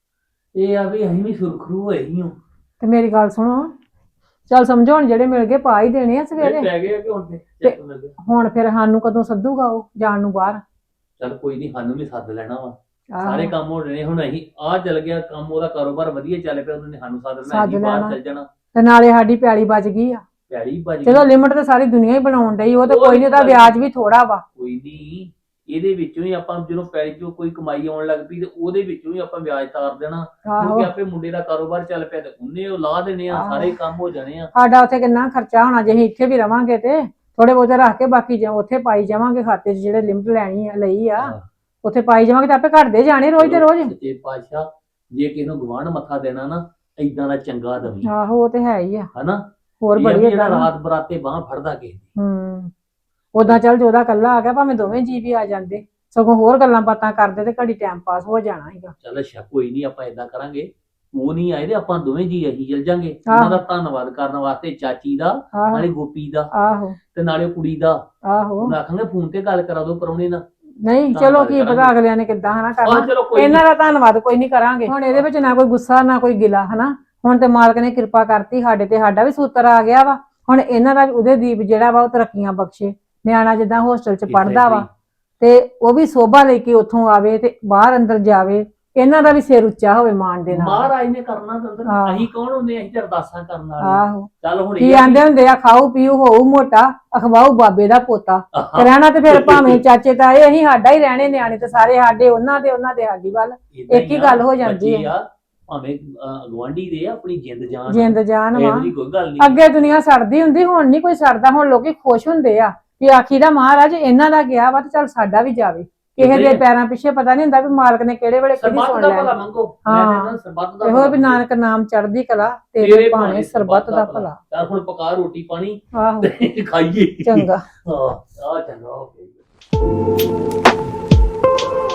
ਇਹ ਆ ਵੀ ਅਸੀਂ ਵੀ ਸੁਰਖਰੂ ਹੋਏ ਹੀ ਹਾਂ। ਤੇ ਮੇਰੀ ਗੱਲ ਸੁਣੋ, ਚੱਲ ਸਮਝਾਉਣ ਜਿਹੜੇ ਮਿਲ ਗਏ ਪਾ ਹੀ ਦੇਣੇ ਆ ਸਵੇਰੇ। ਪੈ ਗਏ ਕਿ ਹੁਣ ਤੇ ਚੈੱਕ ਮਿਲ ਗਿਆ। ਹੁਣ ਫਿਰ ਸਾਨੂੰ ਕਦੋਂ ਸੱਦੂਗਾ ਉਹ ਜਾਣ ਨੂੰ ਬਾਹਰ? ਚੱਲ ਕੋਈ ਨਹੀਂ, ਸਾਨੂੰ ਵੀ ਸੱਦ ਲੈਣਾ ਵਾ। ਆਹੋ। ਸਾਰੇ ਕੰਮ ਹੋ ਰਹੇ ਹੁਣ ਅਸੀਂ ਆ ਚੱਲ ਗਿਆ ਕੰਮ, ਉਹਦਾ ਕਾਰੋਬਾਰ ਵਧੀਆ ਚੱਲ ਪਿਆ, ਉਹਨਾਂ ਨੇ ਸਾਨੂੰ ਸੱਦ ਲੈਣਾ, ਸੱਦ ਅਸੀਂ ਬਾਹਰ ਲੈਣਾ। ਚੱਲ ਜਾਣਾ। ਤੇ ਨਾਲੇ ਸਾਡੀ ਪਿਆਲੀ ਬਚ ਗਈ ਆ। ਪੈੜੀ ਭੱਜ ਚਲੋ ਗਈ। ਲਿਮਟ ਤੇ ਸਾਰੀ ਦੁਨੀਆ ਹੀ ਬਣਾਉਣ ਡਈ, ਉਹ ਤੇ ਉਹ ਕੋਈ ਨਹੀਂ, ਉਹਦਾ ਗੱਲ- ਵਿਆਜ ਵੀ ਥੋੜਾ ਵਾ। ਕੋਈ ਨਹੀਂ, ਇਹਦੇ ਵਿੱਚੋਂ ਹੀ ਆਪਾਂ ਜਦੋਂ ਪੈੜੀ ਚੋਂ ਕੋਈ ਕਮਾਈ ਆਉਣ ਲੱਗ ਪਈ ਤੇ ਉਹਦੇ ਵਿੱਚੋਂ ਹੀ ਆਪਾਂ ਵਿਆਜ ਤਾਰ ਦੇਣਾ, ਆਹੋ ਕਿਉਂਕਿ ਆਪੇ ਮੁੰਡੇ ਦਾ ਕਾਰੋਬਾਰ ਚੱਲ ਪਿਆ ਤੇ ਉਹਨੇ ਉਹ ਲਾ ਦੇਣੇ ਆ, ਆਹੋ। ਸਾਰੇ ਕੰਮ ਹੋ ਜਾਣੇ ਆ। ਸਾਡਾ ਉੱਥੇ ਕਿੰਨਾ ਖਰਚਾ ਹੋਣਾ ਜੇ ਅਸੀਂ ਇੱਥੇ ਵੀ ਰਵਾਂਗੇ, ਤੇ ਥੋੜੇ ਬਹੁਤੇ ਰੱਖ ਕੇ ਬਾਕੀ ਜਾਂ ਉੱਥੇ ਪਾਈ ਜਾਵਾਂਗੇ ਖਾਤੇ 'ਚ, ਜਿਹੜੇ ਲਿਮਟ ਲਈ ਆ ਉੱਥੇ ਪਾਈ ਜਾਵਾਂਗੇ ਤੇ ਆਪੇ ਘਟਦੇ ਜਾਣੇ ਰੋਜ਼ ਦੇ ਰੋਜ਼। ਸੱਚੇ ਪਾਤਸ਼ਾਹ ਜੇ ਕਿਸੇ ਨੂੰ ਗਵਾਂਢ ਮੱਥਾ ਦੇਣਾ ਨਾ, ਏਦਾਂ ਦਾ ਚੰਗਾ ਦਵੀ, ਆਹੋ ਉਹ ਤੇ ਹੈ ਹੀ ਆ। ਹਨਾ। ਹੋਰ ਇਹ ਆ ਵੀ ਬੜੀ ਜਿਹੜਾ ਏਦਾਂ ਰਾਤ ਬਰਾਤੇ ਬਾਹ ਫੜਦਾ ਕਿਸੇ ਦੀ। ਉਦਾਂ ਚੱਲ ਜੋਦਾ ਕੱਲਾ ਆ ਗਿਆ, ਭਾਵੇਂ ਦੋਵੇਂ ਜੀ ਵੀ ਆ ਜਾਂਦੇ, ਸਗੋਂ ਹੋਰ ਗੱਲਾਂ ਬਾਤਾਂ ਕਰਦੇ ਤੇ ਘੜੀ ਟਾਈਮ ਪਾਸ ਹੋ ਜਾਣਾ ਸੀਗਾ। ਚੱਲ ਅੱਛਾ ਕੋਈ ਨਹੀਂ, ਆਪਾਂ ਏਦਾਂ ਕਰਾਂਗੇ, ਉਹ ਨਹੀਂ ਆਏ ਤੇ ਆਪਾਂ ਦੋਵੇਂ ਜੀ ਅਸੀਂ ਚੱਲ ਜਾਂਗੇ। ਆਹੋ। ਉਹਨਾਂ ਦਾ ਧੰਨਵਾਦ ਕਰਨ ਵਾਸਤੇ ਚਾਚੀ ਦਾ, ਆਹੋ ਨਾਲੇ ਗੋਪੀ ਦਾ, ਆਹੋ ਤੇ ਨਾਲੇ ਕੁੜੀ ਦਾ। ਆਹੋ ਉਹਨਾਂ ਆਖਾਂਗੇ ਫੋਨ ਤੇ ਗੱਲ ਕਰਾ ਦੋ ਪਰੌਣੇ ਨਾਲ। ਨਹੀਂ ਚਲੋ ਧੰਨਵਾਦ ਕੀ ਪਤਾ ਕਰਾਂਗੇ। ਅਗਲਿਆਂ ਨੇ ਕਿੱਦਾਂ ਹਨਾ ਆਹ ਕਰਨਾ। ਚਲੋ ਕੋਈ ਇਹਨਾਂ ਦਾ ਧੰਨਵਾਦ ਕੋਈ ਨਹੀਂ ਕਰਾਂਗੇ। ਹੁਣ ਇਹਦੇ ਵਿੱਚ ਨਾ ਕੋਈ ਗੁੱਸਾ ਨਾ ਕੋਈ ਗਿਲਾ, ਹਨਾ। ਹੁਣ ਤੇ ਮਾਲਕ ਨੇ ਕਿਰਪਾ ਕਰਤੀ ਸਾਡੇ ਤੇ, ਸਾਡਾ ਵੀ ਸੂਤਰ ਆ ਗਿਆ ਵਾ। ਹੁਣ ਇਹਨਾਂ ਦਾ ਉਹਦੇ ਦੀਪ ਜਿਹੜਾ ਵਾ ਉਹ ਤਰੱਕੀਆਂ ਬਖਸ਼ੇ। ਨਿਆਣਾ ਜਿੱਦਾਂ ਹੋਸਟਲ 'ਚ ਪੜਦਾ ਵਾ ਤੇ ਉਹ ਵੀ ਸੋਭਾ ਲੈ ਕੇ ਉੱਥੋਂ ਆਵੇ ਤੇ ਬਾਹਰ ਅੰਦਰ ਜਾਵੇ ਇਹਨਾਂ ਦਾ ਵੀ ਸਿਰ ਉੱਚਾ ਹੋਵੇ ਮਾਣ ਦੇ ਨਾਲ। ਮਹਾਰਾਜ ਨੇ ਕਰਨਾ ਦੰਦਰ, ਹਾਂ। ਅਸੀਂ ਕੌਣ ਹੁੰਦੇ, ਅਸੀਂ ਤੇ ਅਰਦਾਸਾਂ ਕਰਨ ਵਾਲੇ। ਆਹੋ ਚੱਲ ਹੁਣ ਕੀ ਇਹ ਆ ਆਂਦੇ ਹੁੰਦੇ ਆ, ਖਾਓ ਪੀਓ ਹੋਊ ਮੋਟਾ, ਅਖਵਾਓ ਬਾਬੇ ਦਾ ਪੋਤਾ। ਤੇ ਰਹਿਣਾ ਤੇ ਫਿਰ ਭਾਵੇਂ ਚਾਚੇ ਤਾਏ, ਅਸੀਂ ਸਾਡਾ ਹੀ ਰਹਿਣੇ, ਨਿਆਣੇ ਤੇ ਸਾਰੇ ਸਾਡੇ, ਉਹਨਾਂ ਦੇ ਸਾਡੀ ਵੱਲ ਏਦਾਂ ਇੱਕ ਹੀ ਗੱਲ ਹੋ ਜਾਂਦੀ ਬੱਚੇ ਹੈ। ਆ, ਭਾਵੇਂ ਗਵਾਂਢੀ ਦੇ ਆ, ਆਪਣੀ ਜਿੰਦ ਜਾਨ ਜਿੰਦ ਜਾਨ ਵਾ। ਇਹੋ ਜਿਹੀ ਕੋਈ ਗੱਲ ਨਹੀਂ। ਅੱਗੇ ਦੁਨੀਆ ਸੜਦੀ ਹੁੰਦੀ, ਹੁਣ ਨਹੀਂ ਕੋਈ ਸੜਦਾ। ਹੁਣ ਲੋਕੀ ਖੁਸ਼ ਹੁੰਦੇ ਆ ਵੀ ਆਖੀ ਦਾ ਮਹਾਰਾਜ ਇਹਨਾਂ ਦਾ ਗਿਆ ਵਾ ਤੇ ਚੱਲ ਸਾਡਾ ਵੀ ਜਾਵੇ। ਕਿਸੇ ਦੇ ਪੈਰਾਂ ਪਿੱਛੇ ਪਤਾ ਨਹੀਂ ਹੁੰਦਾ ਵੀ ਮਾਲਕ ਨੇ ਕਿਹੜੇ ਵੇਲੇ ਕਿਹਦੀ ਸਰਬੱਤ ਸੁਣ ਦਾ ਭਲਾ ਲੈਣੀ। ਮੰਗੋ। ਹਾਂ। ਮੈਂ ਕਹਿੰਦਾ ਸਰਬੱਤ ਦਾ ਇਹੋ ਭਲਾ ਵੀ ਨਾਨਕ ਨਾਮ ਚੜ੍ਹਦੀ ਕਲਾ, ਤੇਰੇ ਤੇਰੇ ਭਾਣੇ ਸਰਬੱਤ ਦਾ ਭਲਾ। ਚੱਲ ਹੁਣ ਪਕਾ ਰੋਟੀ ਪਾਣੀ ਆਹੋ ਤੇ ਖਾਈਏ। ਚੰਗਾ। ਹਾਂ ਆ ਚੰਗਾ ਹੋ ਗਿਆ।